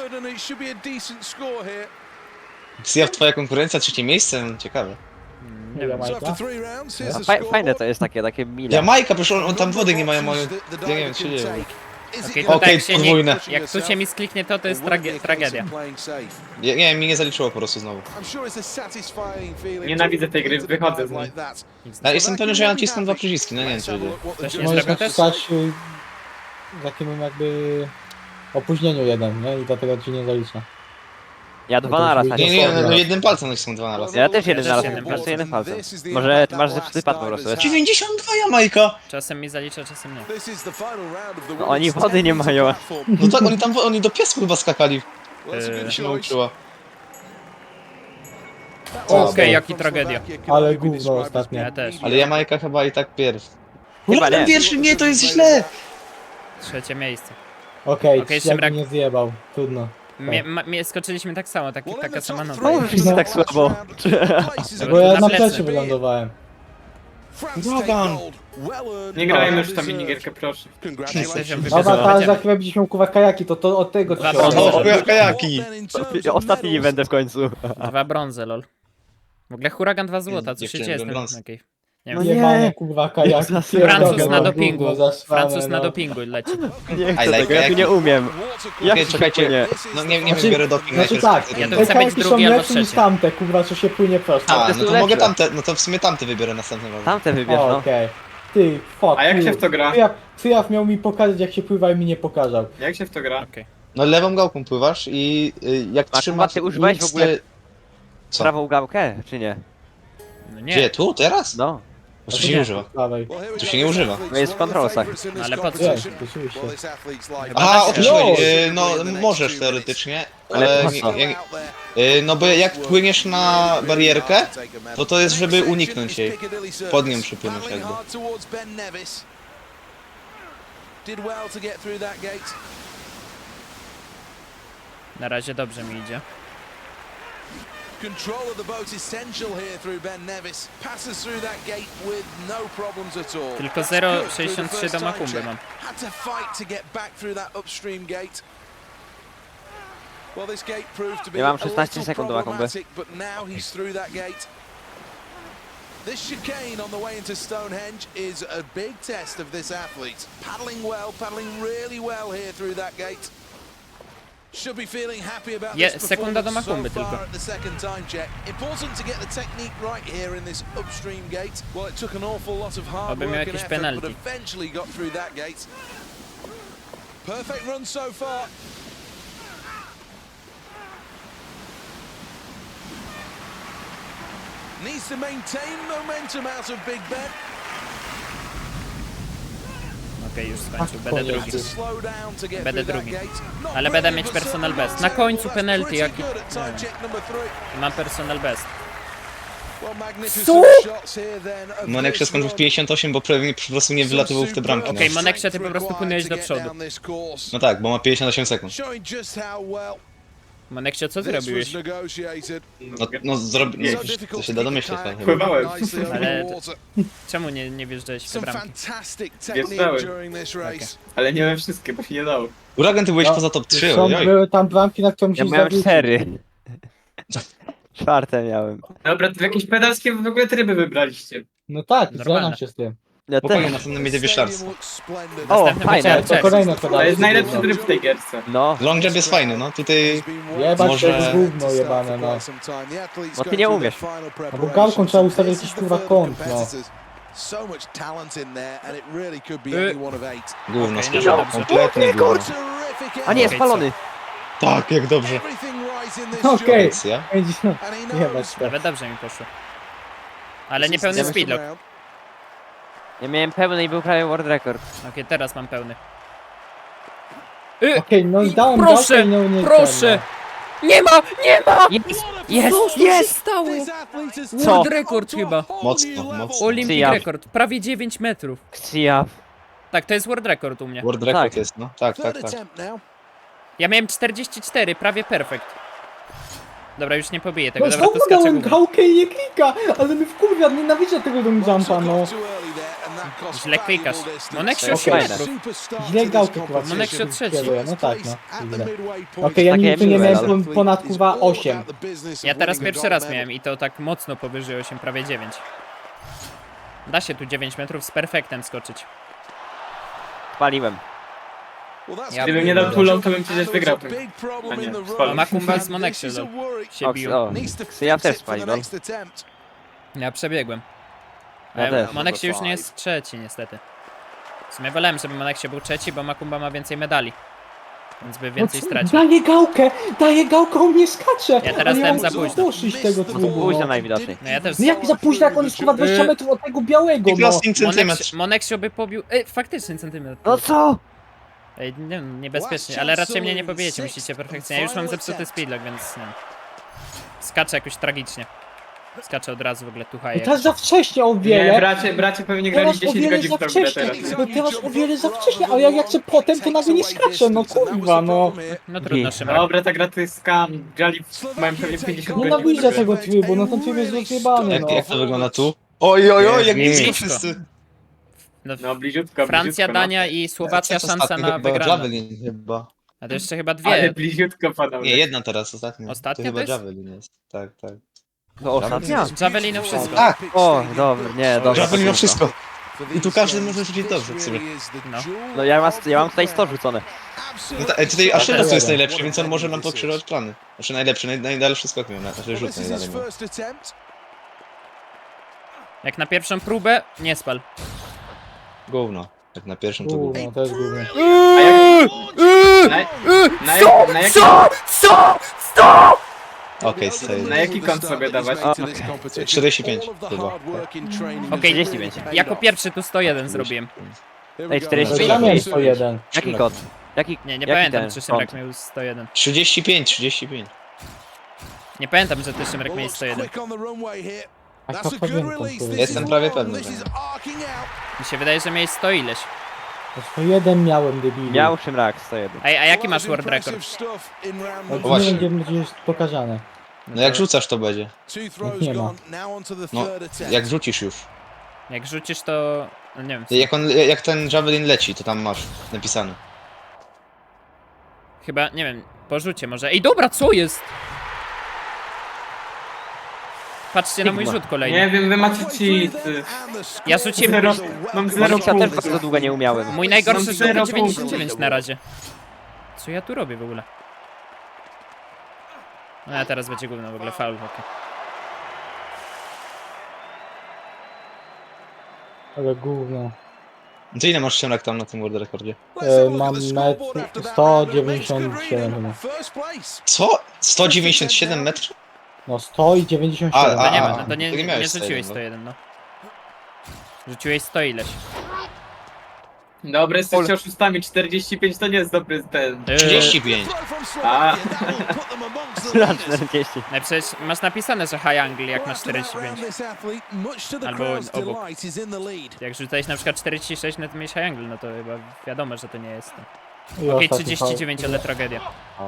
[SPEAKER 4] Sia twoja konkurencja, trzecie miejsce? No, ciekawe.
[SPEAKER 2] Nie wiem.
[SPEAKER 1] Jamajka?
[SPEAKER 3] A faj, fajne to jest takie, takie mile.
[SPEAKER 4] Jamajka, przecież on, on tam wody nie mają, mają... Ja nie wiem, co się dzieje.
[SPEAKER 2] Okej, to
[SPEAKER 4] Okej,
[SPEAKER 2] tak się nie,
[SPEAKER 4] podwójne.
[SPEAKER 2] jak tu się mi skliknie to, to jest trage tragedia.
[SPEAKER 4] Nie, nie, mi nie zaliczyło po prostu znowu.
[SPEAKER 5] Nienawidzę tej gry, wychodzę z niej.
[SPEAKER 4] Ja jestem pewny, że ja naciskam dwa przyciski, no nie wiem co się dzieje.
[SPEAKER 2] To się nie
[SPEAKER 1] Możesz
[SPEAKER 2] zrobił też?
[SPEAKER 1] nacisnąć y, w takim jakby opóźnieniu jeden, nie? I dlatego ci nie zalicza.
[SPEAKER 3] Ja dwa na raz
[SPEAKER 4] Nie, nie,
[SPEAKER 3] nacisnąłem.
[SPEAKER 4] no jednym palcem nacisnam dwa na raz.
[SPEAKER 3] Ja też jeden
[SPEAKER 2] Ja
[SPEAKER 3] na
[SPEAKER 2] też
[SPEAKER 3] raz,
[SPEAKER 2] jednym
[SPEAKER 3] po prostu
[SPEAKER 2] palcem.
[SPEAKER 3] jeden palcem. Może ty masz zepsuty pad po prostu.
[SPEAKER 4] dziewięćdziesiąt dwa Jamajka!
[SPEAKER 2] Czasem mi zalicza, czasem nie.
[SPEAKER 3] No oni wody nie mają.
[SPEAKER 4] No tak, oni tam, oni do piasku chyba skakali.
[SPEAKER 2] Yy,
[SPEAKER 4] się nauczyła.
[SPEAKER 1] O,
[SPEAKER 2] Okej, jaki tragedia.
[SPEAKER 1] Ale gówno ostatnie.
[SPEAKER 2] Ja też.
[SPEAKER 4] Ale Jamajka chyba i tak pierw.
[SPEAKER 3] Chyba
[SPEAKER 4] Huragan
[SPEAKER 3] nie.
[SPEAKER 4] pierwszy, nie, to jest źle!
[SPEAKER 2] Trzecie miejsce.
[SPEAKER 1] Okej,
[SPEAKER 2] Okej,
[SPEAKER 1] okay, jak
[SPEAKER 2] Szymrak.
[SPEAKER 1] mnie zjebał. Trudno.
[SPEAKER 2] Mnie, ma, mnie skoczyliśmy tak samo, tak, taka sama noga.
[SPEAKER 3] No, wszyscy tak słabo.
[SPEAKER 1] Bo ja
[SPEAKER 2] na
[SPEAKER 1] na
[SPEAKER 2] plecy.
[SPEAKER 1] plecy wylądowałem.
[SPEAKER 4] Huragan!
[SPEAKER 5] Nie grałem już w tą minigierkę, proszę.
[SPEAKER 2] Jesteśmy
[SPEAKER 1] Dobra,
[SPEAKER 2] wybrzeżowi.
[SPEAKER 1] teraz za chwilę będziesz miał kurwa kajaki, to, to od tego
[SPEAKER 2] Dwa
[SPEAKER 1] ci się
[SPEAKER 2] brązy.
[SPEAKER 4] O,
[SPEAKER 1] odbierze.
[SPEAKER 4] o, kajaki!
[SPEAKER 3] Ostatni nie będę w końcu.
[SPEAKER 2] Dwa brązy, lol. W ogóle huragan dwa złota, co się
[SPEAKER 4] Dziewczyny,
[SPEAKER 2] dzieje z tym?
[SPEAKER 4] brąz.
[SPEAKER 2] Okej. Nie
[SPEAKER 3] No
[SPEAKER 2] wiem.
[SPEAKER 3] nie.
[SPEAKER 1] Jebane kurwa kajaki.
[SPEAKER 3] Francuz
[SPEAKER 2] Francuz
[SPEAKER 1] Pierdolę,
[SPEAKER 2] na
[SPEAKER 1] no,
[SPEAKER 2] dopingu.
[SPEAKER 1] gówno zasrane,
[SPEAKER 2] Francuz na
[SPEAKER 1] no.
[SPEAKER 2] dopingu leci.
[SPEAKER 3] Nie chcę
[SPEAKER 4] I like
[SPEAKER 3] tego, ja tu
[SPEAKER 4] kajaki.
[SPEAKER 3] nie umiem. Jak
[SPEAKER 4] Okej,
[SPEAKER 3] to
[SPEAKER 4] czekajcie.
[SPEAKER 3] płynie?
[SPEAKER 4] No nie, nie
[SPEAKER 1] Znaczy-
[SPEAKER 4] wiem, biorę doping
[SPEAKER 1] Znaczy
[SPEAKER 4] najpierw.
[SPEAKER 1] tak,
[SPEAKER 2] Ja to
[SPEAKER 1] te
[SPEAKER 2] chcę być
[SPEAKER 1] kajaki są
[SPEAKER 2] drugi albo
[SPEAKER 1] lepsze niż
[SPEAKER 2] trzeci.
[SPEAKER 1] tamte, kurwa, co się płynie prosto.
[SPEAKER 4] A,
[SPEAKER 3] Tamte
[SPEAKER 4] no
[SPEAKER 3] są
[SPEAKER 4] to mogę
[SPEAKER 3] lepsze.
[SPEAKER 4] tamte, no to w sumie tamte wybiorę następnym razem.
[SPEAKER 3] Tamte wybierz,
[SPEAKER 1] O,
[SPEAKER 3] no.
[SPEAKER 1] okej. Ty, fuck.
[SPEAKER 5] A jak
[SPEAKER 1] ty.
[SPEAKER 5] się w to gra?
[SPEAKER 1] Cyjaw, Cyjaw miał mi pokazać jak się pływa i mi nie pokazał.
[SPEAKER 5] Jak się w to gra?
[SPEAKER 2] Okej.
[SPEAKER 4] No lewą gałką pływasz i y, jak
[SPEAKER 3] A,
[SPEAKER 4] trzymasz...
[SPEAKER 3] ty używałeś w
[SPEAKER 4] nic
[SPEAKER 3] ogóle-
[SPEAKER 4] nie- Co?
[SPEAKER 3] Prawą gałkę, czy nie?
[SPEAKER 2] No
[SPEAKER 4] Gdzie?
[SPEAKER 2] nie.
[SPEAKER 4] Tu? Teraz?
[SPEAKER 3] No.
[SPEAKER 4] Bo tu się nie używa.
[SPEAKER 1] Dawaj.
[SPEAKER 4] Tu się nie używa.
[SPEAKER 3] No jest w kontrolsach.
[SPEAKER 2] Ale po co?
[SPEAKER 1] Jest, oczywiście.
[SPEAKER 4] Aha, o to ci
[SPEAKER 1] No.
[SPEAKER 4] chodzi. Y, No możesz teoretycznie,
[SPEAKER 3] Ale
[SPEAKER 4] ale
[SPEAKER 3] po
[SPEAKER 4] nie,
[SPEAKER 3] co?
[SPEAKER 4] nie, y, no bo jak płyniesz na barierkę, to to jest, żeby uniknąć jej. Pod nią przypłynąć jakby.
[SPEAKER 2] Na razie dobrze mi idzie.
[SPEAKER 6] Control of the boat essential here through Ben Nevis. Passes through that gate with no problems at all.
[SPEAKER 2] Tylko
[SPEAKER 6] That's
[SPEAKER 2] zero
[SPEAKER 6] good through the
[SPEAKER 2] sześćdziesiąt trzy
[SPEAKER 6] first
[SPEAKER 2] do
[SPEAKER 6] time
[SPEAKER 2] Makumby
[SPEAKER 6] check.
[SPEAKER 2] mam.
[SPEAKER 6] Had to fight to get back through that upstream gate. Well, this gate proved to be
[SPEAKER 3] Ja mam
[SPEAKER 6] a
[SPEAKER 3] szesnaście
[SPEAKER 6] little
[SPEAKER 3] sekund do Makumby.
[SPEAKER 6] problematic, but now he's through that gate. This chicane on the way into Stonehenge is a big test of this athlete. Paddling well, paddling really well here through that gate. Should be feeling happy about
[SPEAKER 2] Je-
[SPEAKER 6] this
[SPEAKER 2] sekunda do
[SPEAKER 6] performance
[SPEAKER 2] Makumby
[SPEAKER 6] so far
[SPEAKER 2] tylko.
[SPEAKER 6] at the second time check. Important to get the technique right here in this upstream gate. Well, it took an awful lot of hard
[SPEAKER 2] Oby miał
[SPEAKER 6] work and
[SPEAKER 2] jakieś
[SPEAKER 6] effort, but
[SPEAKER 2] penalty.
[SPEAKER 6] eventually got through that gate. Perfect run so far. Needs to maintain momentum out of Big Ben.
[SPEAKER 2] Okej, już skończył, będę
[SPEAKER 1] koniec.
[SPEAKER 2] drugi.
[SPEAKER 6] Slow down to get
[SPEAKER 2] Będę
[SPEAKER 6] through that
[SPEAKER 2] drugi.
[SPEAKER 6] gate. Not
[SPEAKER 2] Ale będę
[SPEAKER 6] brilliant,
[SPEAKER 2] mieć
[SPEAKER 6] but
[SPEAKER 2] personal
[SPEAKER 6] certainly
[SPEAKER 2] best. Na
[SPEAKER 6] well
[SPEAKER 2] końcu
[SPEAKER 6] set.
[SPEAKER 2] penalty,
[SPEAKER 6] Pretty
[SPEAKER 2] jaki...
[SPEAKER 6] good at time check number three.
[SPEAKER 2] Mam personal best.
[SPEAKER 6] Well, magnificent
[SPEAKER 2] Co?
[SPEAKER 6] shots here then of
[SPEAKER 4] Monek się
[SPEAKER 6] this
[SPEAKER 4] skończył w
[SPEAKER 6] run.
[SPEAKER 4] pięćdziesiąt osiem, bo pewnie po prostu nie wylatywał w te bramki.
[SPEAKER 2] Okej,
[SPEAKER 4] No.
[SPEAKER 2] Moneksie, ty po prostu płynąłeś do przodu.
[SPEAKER 4] no tak, bo ma pięćdziesiąt osiem sekund.
[SPEAKER 6] Showing just how well
[SPEAKER 2] Moneksie, co
[SPEAKER 6] this
[SPEAKER 2] zrobiłeś?
[SPEAKER 6] was negotiated.
[SPEAKER 4] No, no zrobi... No,
[SPEAKER 6] So
[SPEAKER 4] to
[SPEAKER 6] difficult
[SPEAKER 4] się
[SPEAKER 6] to
[SPEAKER 4] da
[SPEAKER 6] keep
[SPEAKER 4] domyśleć.
[SPEAKER 6] kayak
[SPEAKER 4] tak.
[SPEAKER 5] Pływałem.
[SPEAKER 6] nicely over
[SPEAKER 2] Ale-
[SPEAKER 6] the water.
[SPEAKER 2] Czemu nie, nie wjeżdżałeś w te
[SPEAKER 6] Some
[SPEAKER 2] bramki?
[SPEAKER 6] fantastic
[SPEAKER 5] Wjeżdżałem.
[SPEAKER 6] technique during this race.
[SPEAKER 5] Ale nie we wszystkie, bo się nie dało.
[SPEAKER 4] Uragan, ty byłeś
[SPEAKER 1] No,
[SPEAKER 4] poza top trzy,
[SPEAKER 1] Są,
[SPEAKER 4] ojoj.
[SPEAKER 1] były tam bramki, na które
[SPEAKER 3] Ja
[SPEAKER 1] musisz
[SPEAKER 3] miałem
[SPEAKER 1] zawrócić.
[SPEAKER 3] cztery. Czwarte miałem.
[SPEAKER 5] Dobra, to jakieś pedalskie w ogóle tryby wybraliście.
[SPEAKER 1] No tak,
[SPEAKER 2] Normalne.
[SPEAKER 1] zgadzam się z tym.
[SPEAKER 3] Ja
[SPEAKER 4] Chłopaki,
[SPEAKER 3] też.
[SPEAKER 4] następnym idzie wieszlarstwo.
[SPEAKER 3] O,
[SPEAKER 2] Następny
[SPEAKER 3] fajne.
[SPEAKER 2] będzie
[SPEAKER 1] To
[SPEAKER 2] Archer.
[SPEAKER 1] kolejne
[SPEAKER 5] To
[SPEAKER 1] pedale.
[SPEAKER 5] jest najlepszy tryb w tej gierce.
[SPEAKER 3] No,
[SPEAKER 4] Long jump jest fajny, no. Tutaj
[SPEAKER 1] Jebać
[SPEAKER 4] Może-
[SPEAKER 1] to jest gówno jebane, no.
[SPEAKER 3] Bo ty nie umiesz.
[SPEAKER 1] No bo gałką trzeba ustawić jakiś kurwa kąt, no.
[SPEAKER 6] So much talent in there and it really could be
[SPEAKER 2] Y-
[SPEAKER 6] any one of eight.
[SPEAKER 4] gówno,
[SPEAKER 2] Okej,
[SPEAKER 4] okay,
[SPEAKER 2] no dobrze.
[SPEAKER 4] kompletnie gówno.
[SPEAKER 6] Terrific
[SPEAKER 3] a nie,
[SPEAKER 2] Okej,
[SPEAKER 3] spalony.
[SPEAKER 4] Tak, jak dobrze.
[SPEAKER 6] Everything right in this
[SPEAKER 1] Okej.
[SPEAKER 6] job.
[SPEAKER 4] Akcja.
[SPEAKER 1] pięćdziesiąt.
[SPEAKER 6] And he
[SPEAKER 1] Jebać
[SPEAKER 6] knows
[SPEAKER 1] to.
[SPEAKER 2] Nawet dobrze mi poszło. Ale nie
[SPEAKER 6] this is
[SPEAKER 2] pełny
[SPEAKER 6] the
[SPEAKER 2] speedlock.
[SPEAKER 6] round.
[SPEAKER 3] Ja miałem pełny i był prawie world record.
[SPEAKER 2] Okej, teraz mam pełny. Y,
[SPEAKER 1] Okej, no i dałem
[SPEAKER 2] Proszę,
[SPEAKER 1] gałkę i nie nie
[SPEAKER 2] proszę! Nie ma, nie ma!
[SPEAKER 3] Jest!
[SPEAKER 2] Jest,
[SPEAKER 3] Jest!
[SPEAKER 2] jest! Stało!
[SPEAKER 6] This athlete has
[SPEAKER 3] Co?
[SPEAKER 2] World
[SPEAKER 6] taken
[SPEAKER 2] record
[SPEAKER 6] it on to
[SPEAKER 2] chyba.
[SPEAKER 6] a whole
[SPEAKER 4] Mocno,
[SPEAKER 6] new level.
[SPEAKER 4] mocno.
[SPEAKER 2] Olympic
[SPEAKER 3] Ja.
[SPEAKER 2] rekord, prawie dziewięć metrów.
[SPEAKER 3] Ksia.
[SPEAKER 2] Tak, to jest world record u mnie.
[SPEAKER 4] World record
[SPEAKER 3] Tak.
[SPEAKER 4] jest, no. Tak, tak,
[SPEAKER 6] Third
[SPEAKER 4] tak.
[SPEAKER 6] attempt now.
[SPEAKER 2] Ja miałem czterdzieści cztery, prawie perfekt. Dobra, już nie pobiję tego,
[SPEAKER 1] No
[SPEAKER 2] dobra, to
[SPEAKER 1] znowu
[SPEAKER 2] skaczę
[SPEAKER 1] dałem
[SPEAKER 2] gówno.
[SPEAKER 1] gałkę i nie klika, ale mi wkurwia, nienawidzę tego long jumpa, no.
[SPEAKER 2] Źle klikasz. Moneksio
[SPEAKER 3] Okej.
[SPEAKER 2] osiem
[SPEAKER 3] Fajne.
[SPEAKER 2] metrów.
[SPEAKER 1] Źle gałkę chyba
[SPEAKER 2] Moneksio trzeci.
[SPEAKER 1] kieruję, no tak, no. Źle.
[SPEAKER 6] Okej,
[SPEAKER 1] Okej, ja
[SPEAKER 3] Takie
[SPEAKER 1] nigdy nie
[SPEAKER 3] miłe,
[SPEAKER 1] miałem
[SPEAKER 3] ale-
[SPEAKER 1] pon- ponad kurwa osiem.
[SPEAKER 2] Ja teraz pierwszy raz miałem i to tak mocno powyżej osiem, prawie dziewięć. Da się tu dziewięć metrów z perfektem skoczyć.
[SPEAKER 3] Spaliłem.
[SPEAKER 2] Ja
[SPEAKER 5] Gdybym nie dał tulą, to bym przecież wygrał ten. A nie,
[SPEAKER 2] A
[SPEAKER 5] spalił.
[SPEAKER 2] Makumba z Moneksie lol, się
[SPEAKER 3] O,
[SPEAKER 2] bił.
[SPEAKER 3] o. Ja też spaliłem.
[SPEAKER 2] Ja przebiegłem.
[SPEAKER 3] Ja
[SPEAKER 2] Ale
[SPEAKER 3] też.
[SPEAKER 2] Moneksie już nie jest trzeci niestety. W sumie wolałem, żeby Moneksie był trzeci, bo Makumba ma więcej medali. Więc by więcej
[SPEAKER 1] No co?
[SPEAKER 2] stracił.
[SPEAKER 1] Daję gałkę, daję gałkę, on nie skacze.
[SPEAKER 2] Ja teraz
[SPEAKER 1] ale
[SPEAKER 2] dałem
[SPEAKER 1] ja
[SPEAKER 2] za
[SPEAKER 1] muszę
[SPEAKER 2] późno.
[SPEAKER 1] doszyć tego
[SPEAKER 3] No to
[SPEAKER 1] trybu,
[SPEAKER 3] późno
[SPEAKER 1] no.
[SPEAKER 3] najwidoczniej.
[SPEAKER 2] No ja też...
[SPEAKER 1] No jak za późno, jak on jest kurwa dwadzieścia
[SPEAKER 2] Y-
[SPEAKER 1] metrów od tego białego, no.
[SPEAKER 4] piętnaście centymetrów.
[SPEAKER 2] Moneks- Moneksio by pobił... Ej, faktycznie centymetr.
[SPEAKER 3] No co?
[SPEAKER 2] Ej, nie wiem, niebezpiecznie, ale raczej mnie nie pobijecie, musicie perfekcyjnie. Ja już mam zepsuty speedlock, więc nie wiem. Skaczę jakoś tragicznie. Skaczę od razu w ogóle tu
[SPEAKER 1] I
[SPEAKER 2] haję.
[SPEAKER 1] teraz za wcześnie o
[SPEAKER 5] Nie,
[SPEAKER 1] wiele.
[SPEAKER 5] bracie, bracie pewnie grali
[SPEAKER 1] Teraz o
[SPEAKER 5] dziesięć
[SPEAKER 1] wiele
[SPEAKER 5] godzin
[SPEAKER 1] za
[SPEAKER 5] w tą grę
[SPEAKER 1] wcześnie.
[SPEAKER 5] teraz.
[SPEAKER 1] No teraz o wiele za wcześnie, a ja jak chcę potem, to nagle nie skaczę, no kurwa, no.
[SPEAKER 2] No trudno, Szymrak.
[SPEAKER 5] Dobra, ta gra to jest scam. Grali mają pewnie pięćdziesiąt godzin.
[SPEAKER 1] Nienawidzę tego trybu, no ten tryb jest rozjebany,
[SPEAKER 4] Jak,
[SPEAKER 1] no.
[SPEAKER 4] jak to wygląda tu? Oj, oj, oj, jak
[SPEAKER 2] Nie,
[SPEAKER 4] blisko
[SPEAKER 2] blisko.
[SPEAKER 4] wszyscy.
[SPEAKER 2] No,
[SPEAKER 5] No bliziutko,
[SPEAKER 2] Francja,
[SPEAKER 5] bliziutko,
[SPEAKER 2] Dania i Słowacja
[SPEAKER 4] Co
[SPEAKER 2] szansa
[SPEAKER 4] ostatni?
[SPEAKER 2] na
[SPEAKER 4] Chyba
[SPEAKER 2] wygraną.
[SPEAKER 4] Javelin chyba.
[SPEAKER 2] A to jeszcze chyba
[SPEAKER 5] no. Ale
[SPEAKER 2] dwie.
[SPEAKER 5] bliziutko panowie.
[SPEAKER 4] Nie, jedna teraz, ostatnia.
[SPEAKER 2] Ostatnia
[SPEAKER 4] to chyba
[SPEAKER 2] to jest?
[SPEAKER 4] Javelin jest. Tak, tak.
[SPEAKER 3] To ostatnia?
[SPEAKER 2] Javelinu wszystko.
[SPEAKER 4] Tak,
[SPEAKER 3] O, dobra, nie, dobra.
[SPEAKER 4] Javelin ma
[SPEAKER 3] to
[SPEAKER 4] wszystko. I tu każdy może rzucić dobrze w sumie.
[SPEAKER 2] No.
[SPEAKER 3] No ja mam, ja mam tutaj sto rzucone.
[SPEAKER 4] No ta, e, tutaj Ashera
[SPEAKER 1] też
[SPEAKER 4] to jest
[SPEAKER 1] jeden.
[SPEAKER 4] najlepszy, więc on może nam pokrzyżować plany. Znaczy najlepszy, naj, najdalszy skok miał, znaczy rzut najdalej miał.
[SPEAKER 2] Jak na pierwszą próbę, nie spal.
[SPEAKER 4] Gówno. Jak na pierwszym to gówno.
[SPEAKER 1] Gówno, to jest gówno.
[SPEAKER 5] A jak... Na, na, jak, na, jaki,
[SPEAKER 4] Okej, okay,
[SPEAKER 5] na jaki kąt sobie dawać?
[SPEAKER 4] czterdzieści pięć chyba.
[SPEAKER 2] Okej,
[SPEAKER 3] trzydzieści pięć.
[SPEAKER 2] Jako pierwszy tu sto jeden zrobiłem.
[SPEAKER 3] Ej, czterdzieści
[SPEAKER 1] To
[SPEAKER 3] pięć.
[SPEAKER 1] ja miałem sto jeden.
[SPEAKER 3] Jaki kod? Jaki,
[SPEAKER 2] Nie, nie
[SPEAKER 3] jaki
[SPEAKER 2] pamiętam,
[SPEAKER 3] ten
[SPEAKER 2] czy Szymrak
[SPEAKER 3] kąt?
[SPEAKER 2] miał sto jeden.
[SPEAKER 4] trzydzieści pięć, trzydzieści pięć.
[SPEAKER 2] Nie pamiętam, że ty Szymrak miałeś sto jeden.
[SPEAKER 1] A to pamiętam, kurwa.
[SPEAKER 4] Jestem prawie pewny, że
[SPEAKER 2] Mi się wydaje, że miałeś sto ileś.
[SPEAKER 1] To sto jeden miałem, debilu.
[SPEAKER 3] Miał Szymrak sto jeden.
[SPEAKER 2] Ej, a jaki masz world record?
[SPEAKER 1] No,
[SPEAKER 4] właśnie.
[SPEAKER 1] nie wiem, gdzie będzie pokazane.
[SPEAKER 4] No jak rzucasz to będzie.
[SPEAKER 1] Nie ma.
[SPEAKER 4] No, jak rzucisz już.
[SPEAKER 2] Jak rzucisz to... No nie wiem,
[SPEAKER 4] Jak, on, jak ten Javelin leci, to tam masz napisane.
[SPEAKER 2] chyba, nie wiem, po rzucie może. Ej, dobra, co jest? Patrzcie na mój
[SPEAKER 3] Sigma.
[SPEAKER 2] rzut kolejny.
[SPEAKER 5] Nie wiem, wy macie cheaty.
[SPEAKER 2] Ja rzuciłem...
[SPEAKER 5] Zero, mam zero
[SPEAKER 3] Monoksia też
[SPEAKER 5] punktów.
[SPEAKER 3] bardzo długo nie umiałem.
[SPEAKER 2] Mój najgorszy
[SPEAKER 5] Mam
[SPEAKER 2] rzut to
[SPEAKER 5] zero
[SPEAKER 2] dziewięćdziesiąt dziewięć
[SPEAKER 5] punktów.
[SPEAKER 2] na razie. Co ja tu robię w ogóle? No a teraz będzie gówno w ogóle, faul, okej.
[SPEAKER 1] Ale gówno.
[SPEAKER 4] To ile masz Szymrak tam na tym world rekordzie?
[SPEAKER 1] E, mam metr sto dziewięćdziesiąt siedem chyba.
[SPEAKER 4] Co? sto dziewięćdziesiąt siedem metrów?
[SPEAKER 1] No sto i dziewięćdziesiąt
[SPEAKER 4] A,
[SPEAKER 1] siedem.
[SPEAKER 2] To nie
[SPEAKER 4] a,
[SPEAKER 2] ma, no to nie,
[SPEAKER 4] to nie
[SPEAKER 2] nie
[SPEAKER 4] miałeś
[SPEAKER 2] rzuciłeś
[SPEAKER 4] sto
[SPEAKER 2] sto
[SPEAKER 4] jeden,
[SPEAKER 2] jeden, no. Rzuciłeś sto ileś.
[SPEAKER 5] Dobry, jesteście oszustami, czterdzieści pięć to nie jest dobry ten.
[SPEAKER 2] Yy,
[SPEAKER 4] trzydzieści pięć.
[SPEAKER 6] Throw from
[SPEAKER 5] A.
[SPEAKER 6] Slovakia, that will put them amongst the
[SPEAKER 3] Na
[SPEAKER 6] leaders.
[SPEAKER 3] czterdzieści.
[SPEAKER 2] No przecież masz napisane, że high angle jak masz
[SPEAKER 6] Well, after that
[SPEAKER 2] czterdzieści pięć.
[SPEAKER 6] round, this athlete, much to the
[SPEAKER 2] Albo
[SPEAKER 6] crowd's
[SPEAKER 2] obok.
[SPEAKER 6] delight, is in the lead.
[SPEAKER 2] Jak rzucałeś na przykład czterdzieści sześć, no to miałeś high angle, no to chyba wiadomo, że to nie jest to.
[SPEAKER 1] I
[SPEAKER 2] Okej,
[SPEAKER 1] ostatni
[SPEAKER 2] trzydzieści dziewięć,
[SPEAKER 1] faul.
[SPEAKER 2] ale tragedia.
[SPEAKER 3] Au.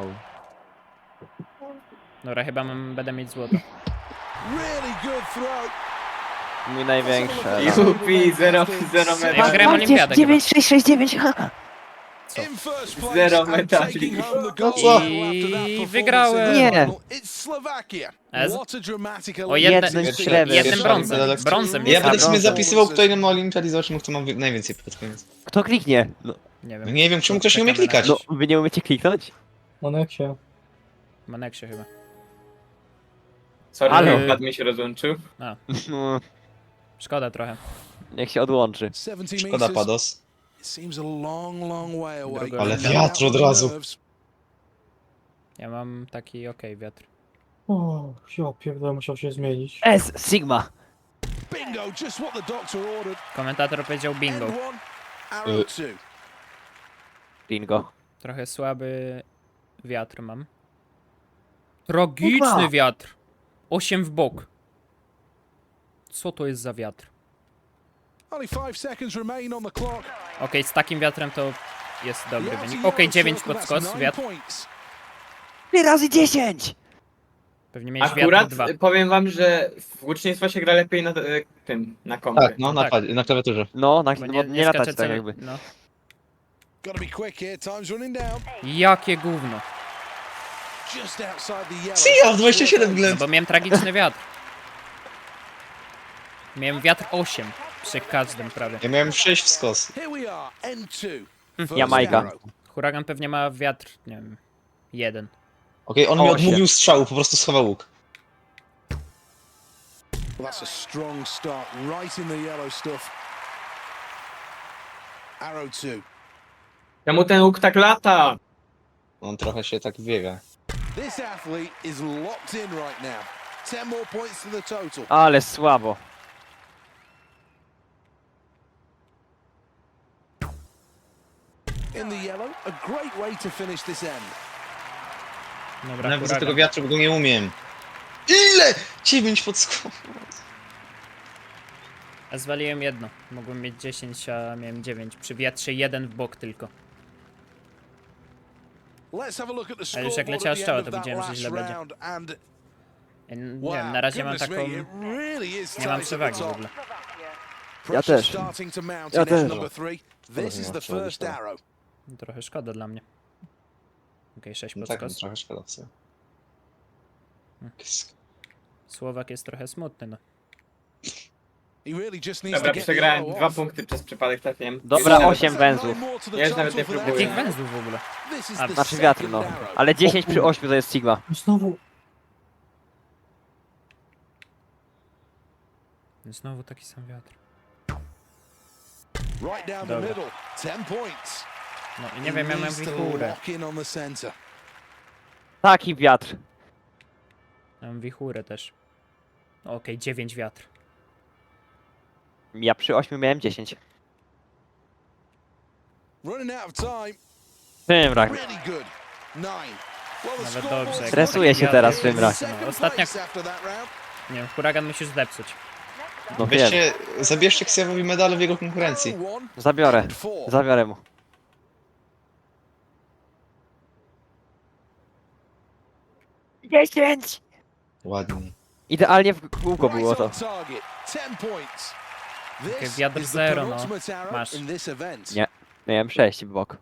[SPEAKER 2] Dobra, chyba mam, będę mieć złoto.
[SPEAKER 6] Really good throw.
[SPEAKER 3] Mój największy.
[SPEAKER 5] Jupi, zero, zero
[SPEAKER 2] Ja
[SPEAKER 5] metra.
[SPEAKER 2] grałem olimpiadę chyba.
[SPEAKER 3] dziewięć sześć sześć dziewięć.
[SPEAKER 2] Co?
[SPEAKER 6] In first place
[SPEAKER 5] Zero
[SPEAKER 6] and
[SPEAKER 5] medali.
[SPEAKER 6] taking home the
[SPEAKER 4] No
[SPEAKER 6] gold
[SPEAKER 4] co?
[SPEAKER 6] medal after that
[SPEAKER 2] I
[SPEAKER 6] performance
[SPEAKER 2] wygrałem.
[SPEAKER 6] in the
[SPEAKER 3] Nie.
[SPEAKER 6] final. It's Slovakia.
[SPEAKER 2] Ez-
[SPEAKER 6] What a dramatic
[SPEAKER 2] O jednym,
[SPEAKER 3] Jednym
[SPEAKER 6] elimination.
[SPEAKER 3] śrebem.
[SPEAKER 2] jednym
[SPEAKER 4] Pierwsza
[SPEAKER 2] brązem.
[SPEAKER 4] medal-
[SPEAKER 2] Brązem
[SPEAKER 4] Ja
[SPEAKER 2] jest.
[SPEAKER 4] będę
[SPEAKER 3] A,
[SPEAKER 4] sobie
[SPEAKER 3] brązo.
[SPEAKER 4] zapisywał, kto ile ma olimpiad i zobaczymy, kto ma wi- najwięcej pod koniec.
[SPEAKER 3] Kto kliknie? No,
[SPEAKER 2] Nie
[SPEAKER 4] No
[SPEAKER 2] wiem.
[SPEAKER 4] nie wiem, czemu ktoś nie umie
[SPEAKER 2] Czekamy na
[SPEAKER 4] klikać.
[SPEAKER 3] no wy nie umiecie kliknąć?
[SPEAKER 1] Moneksie.
[SPEAKER 2] Maneksie chyba.
[SPEAKER 5] Sorry,
[SPEAKER 3] Ale-
[SPEAKER 5] że pad mi się rozłączył.
[SPEAKER 3] No,
[SPEAKER 2] Szkoda trochę.
[SPEAKER 3] niech się odłączy.
[SPEAKER 6] seventy
[SPEAKER 4] Szkoda,
[SPEAKER 6] meters.
[SPEAKER 4] Pados.
[SPEAKER 6] It seems a long, long way away.
[SPEAKER 2] Druga
[SPEAKER 4] Ale
[SPEAKER 2] runda.
[SPEAKER 4] wiatr od razu.
[SPEAKER 2] Ja mam taki okej wiatr.
[SPEAKER 1] O, ja pierdolę, musiał się zmienić.
[SPEAKER 3] S, Sigma.
[SPEAKER 6] Bingo, just what the doctor ordered.
[SPEAKER 2] Komentator powiedział bingo.
[SPEAKER 6] End one, arrow two.
[SPEAKER 3] Bingo.
[SPEAKER 2] Trochę słaby wiatr mam. Tragiczny
[SPEAKER 3] Kurwa.
[SPEAKER 2] wiatr. osiem w bok. Co to jest za wiatr?
[SPEAKER 6] Only five seconds remain on the clock.
[SPEAKER 2] Okej, z takim wiatrem to jest dobry
[SPEAKER 6] The
[SPEAKER 2] wynik.
[SPEAKER 6] outer
[SPEAKER 2] Okej,
[SPEAKER 6] yellow
[SPEAKER 2] dziewięć
[SPEAKER 6] circle,
[SPEAKER 2] pod
[SPEAKER 6] that's
[SPEAKER 2] skos,
[SPEAKER 6] nine
[SPEAKER 2] wiatr.
[SPEAKER 6] points.
[SPEAKER 3] cztery razy dziesięć!
[SPEAKER 2] Pewnie miałeś
[SPEAKER 5] Akurat
[SPEAKER 2] wiatr dwa.
[SPEAKER 5] powiem wam, że w łucznictwo się gra lepiej na e, tym, na kompie.
[SPEAKER 4] Tak, no na,
[SPEAKER 2] tak.
[SPEAKER 4] padzie- na klawiaturze.
[SPEAKER 3] No, na,
[SPEAKER 2] Bo
[SPEAKER 3] nie, nie,
[SPEAKER 2] skacze
[SPEAKER 3] latać tak
[SPEAKER 2] cały-
[SPEAKER 3] jakby.
[SPEAKER 2] No.
[SPEAKER 6] Gotta be quick here, time's running down.
[SPEAKER 2] Jakie gówno.
[SPEAKER 6] Just outside the yellow.
[SPEAKER 4] See ya, w dwadzieścia siedem
[SPEAKER 2] No
[SPEAKER 4] ględ.
[SPEAKER 2] bo miałem tragiczny wiatr. Miałem wiatr osiem przy każdym prawie.
[SPEAKER 4] Ja miałem sześć w skos.
[SPEAKER 6] Here we are, end two. First
[SPEAKER 3] Jamajka.
[SPEAKER 6] arrow.
[SPEAKER 2] Huragan pewnie ma wiatr, nie wiem, jeden.
[SPEAKER 4] Okej, on mi
[SPEAKER 3] Osiem.
[SPEAKER 4] odmówił strzału, po prostu schował łuk.
[SPEAKER 6] Well, that's a strong start, right in the yellow stuff. Arrow two.
[SPEAKER 5] Czemu ten łuk tak lata?
[SPEAKER 4] On trochę się tak biega.
[SPEAKER 6] This athlete is locked in right now. Ten more points to the total.
[SPEAKER 3] Ale słabo.
[SPEAKER 6] In the yellow, a great way to finish this end.
[SPEAKER 2] Dobra,
[SPEAKER 4] Nawet z tego
[SPEAKER 2] huragan.
[SPEAKER 4] wiatru, bo go nie umiem. Ile? dziewięć pod skos.
[SPEAKER 2] A zwaliłem jedno. Mogłem mieć dziesięć, a miałem dziewięć. Przy wiatrze jeden w bok tylko.
[SPEAKER 6] Let's have a look at the
[SPEAKER 2] Ale już jak
[SPEAKER 6] scoreboard
[SPEAKER 2] leciała
[SPEAKER 6] at the
[SPEAKER 2] strzała,
[SPEAKER 6] end
[SPEAKER 2] to
[SPEAKER 6] of that
[SPEAKER 2] widziałem, że
[SPEAKER 6] last
[SPEAKER 2] źle będzie.
[SPEAKER 6] round, and
[SPEAKER 2] Ja n-
[SPEAKER 6] wow,
[SPEAKER 2] nie wiem, na razie mam
[SPEAKER 6] goodness
[SPEAKER 2] taką...
[SPEAKER 6] me, it really is
[SPEAKER 2] Nie mam
[SPEAKER 6] tight at the
[SPEAKER 2] przewagi w
[SPEAKER 6] top.
[SPEAKER 2] ogóle.
[SPEAKER 6] Pressure
[SPEAKER 3] też.
[SPEAKER 6] starting to mount
[SPEAKER 3] Ja
[SPEAKER 6] in end
[SPEAKER 3] też.
[SPEAKER 6] number three. This is the first arrow.
[SPEAKER 2] Trochę szkoda dla mnie. Okej, sześć
[SPEAKER 4] No
[SPEAKER 2] pod
[SPEAKER 4] tak, no,
[SPEAKER 2] skos.
[SPEAKER 4] trochę szkoda w sumie.
[SPEAKER 2] Słowak jest trochę smutny, no.
[SPEAKER 6] He really just needs
[SPEAKER 5] Dobra,
[SPEAKER 6] to get the
[SPEAKER 5] przegrałem
[SPEAKER 6] arrow
[SPEAKER 5] dwa
[SPEAKER 6] off.
[SPEAKER 5] punkty przez przypadek trafiłem.
[SPEAKER 3] Dobra,
[SPEAKER 5] Jeszcze
[SPEAKER 3] osiem
[SPEAKER 6] Nine
[SPEAKER 3] węzłów.
[SPEAKER 6] more to the
[SPEAKER 5] Ja już nawet
[SPEAKER 6] total
[SPEAKER 5] nie
[SPEAKER 6] for that
[SPEAKER 5] próbuję.
[SPEAKER 2] Jakich
[SPEAKER 6] round.
[SPEAKER 2] węzłów w ogóle?
[SPEAKER 6] This is
[SPEAKER 2] A,
[SPEAKER 6] the
[SPEAKER 3] Znaczy wiatr,
[SPEAKER 6] second
[SPEAKER 3] no.
[SPEAKER 6] arrow.
[SPEAKER 3] Ale dziesięć przy ośmiu to jest Sigma.
[SPEAKER 1] Znowu.
[SPEAKER 2] Znowu taki sam wiatr.
[SPEAKER 6] Right down the
[SPEAKER 2] Dobra.
[SPEAKER 6] middle. Ten points.
[SPEAKER 2] No i nie wiem, ja mam
[SPEAKER 6] Needs to
[SPEAKER 2] wichurę.
[SPEAKER 6] lock in on the center.
[SPEAKER 3] Taki wiatr.
[SPEAKER 2] Ja mam wichurę też. Okej, dziewięć wiatr.
[SPEAKER 3] Ja przy ośmiu miałem dziesięć.
[SPEAKER 6] Running out of time.
[SPEAKER 3] Szymrak.
[SPEAKER 6] Really good. Nine. Well, the
[SPEAKER 2] Nawet
[SPEAKER 6] scoreboard
[SPEAKER 2] dobrze, jak
[SPEAKER 3] Stresuje
[SPEAKER 2] taki
[SPEAKER 3] się
[SPEAKER 2] wiatr
[SPEAKER 3] teraz
[SPEAKER 2] jest.
[SPEAKER 3] Szymrak.
[SPEAKER 6] second
[SPEAKER 2] No, ostatnia...
[SPEAKER 6] place after that round.
[SPEAKER 2] Nie wiem, huragan musisz zepsuć.
[SPEAKER 3] No wiem.
[SPEAKER 4] Weźcie, zabierzcie Ksjawowi medale w jego konkurencji.
[SPEAKER 6] Arrow one
[SPEAKER 3] Zabiorę.
[SPEAKER 6] and four.
[SPEAKER 3] Zabiorę mu. dziesięć!
[SPEAKER 4] Ładnie.
[SPEAKER 3] Idealnie w kółko
[SPEAKER 6] Right
[SPEAKER 3] było to.
[SPEAKER 6] on target. Ten points.
[SPEAKER 2] Okej,
[SPEAKER 6] This
[SPEAKER 2] wiatr
[SPEAKER 6] is the
[SPEAKER 2] zero, no.
[SPEAKER 6] penultimate arrow
[SPEAKER 2] Masz.
[SPEAKER 6] in this event.
[SPEAKER 3] Nie. Miałem sześć w bok.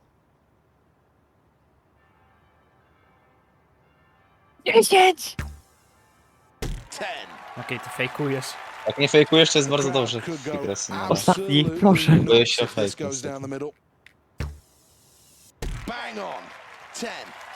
[SPEAKER 3] dziesięć!
[SPEAKER 6] Ten.
[SPEAKER 2] Okej, ty fejkujesz.
[SPEAKER 4] Jak nie fejkujesz, to jest bardzo
[SPEAKER 6] Crowd
[SPEAKER 4] dobrze.
[SPEAKER 6] could go
[SPEAKER 4] Fikres, no.
[SPEAKER 3] Ostatni,
[SPEAKER 6] absolutely
[SPEAKER 3] proszę.
[SPEAKER 6] nuts
[SPEAKER 4] Boję się o
[SPEAKER 6] if this
[SPEAKER 4] fake,
[SPEAKER 6] goes down the middle. Bang on. Ten.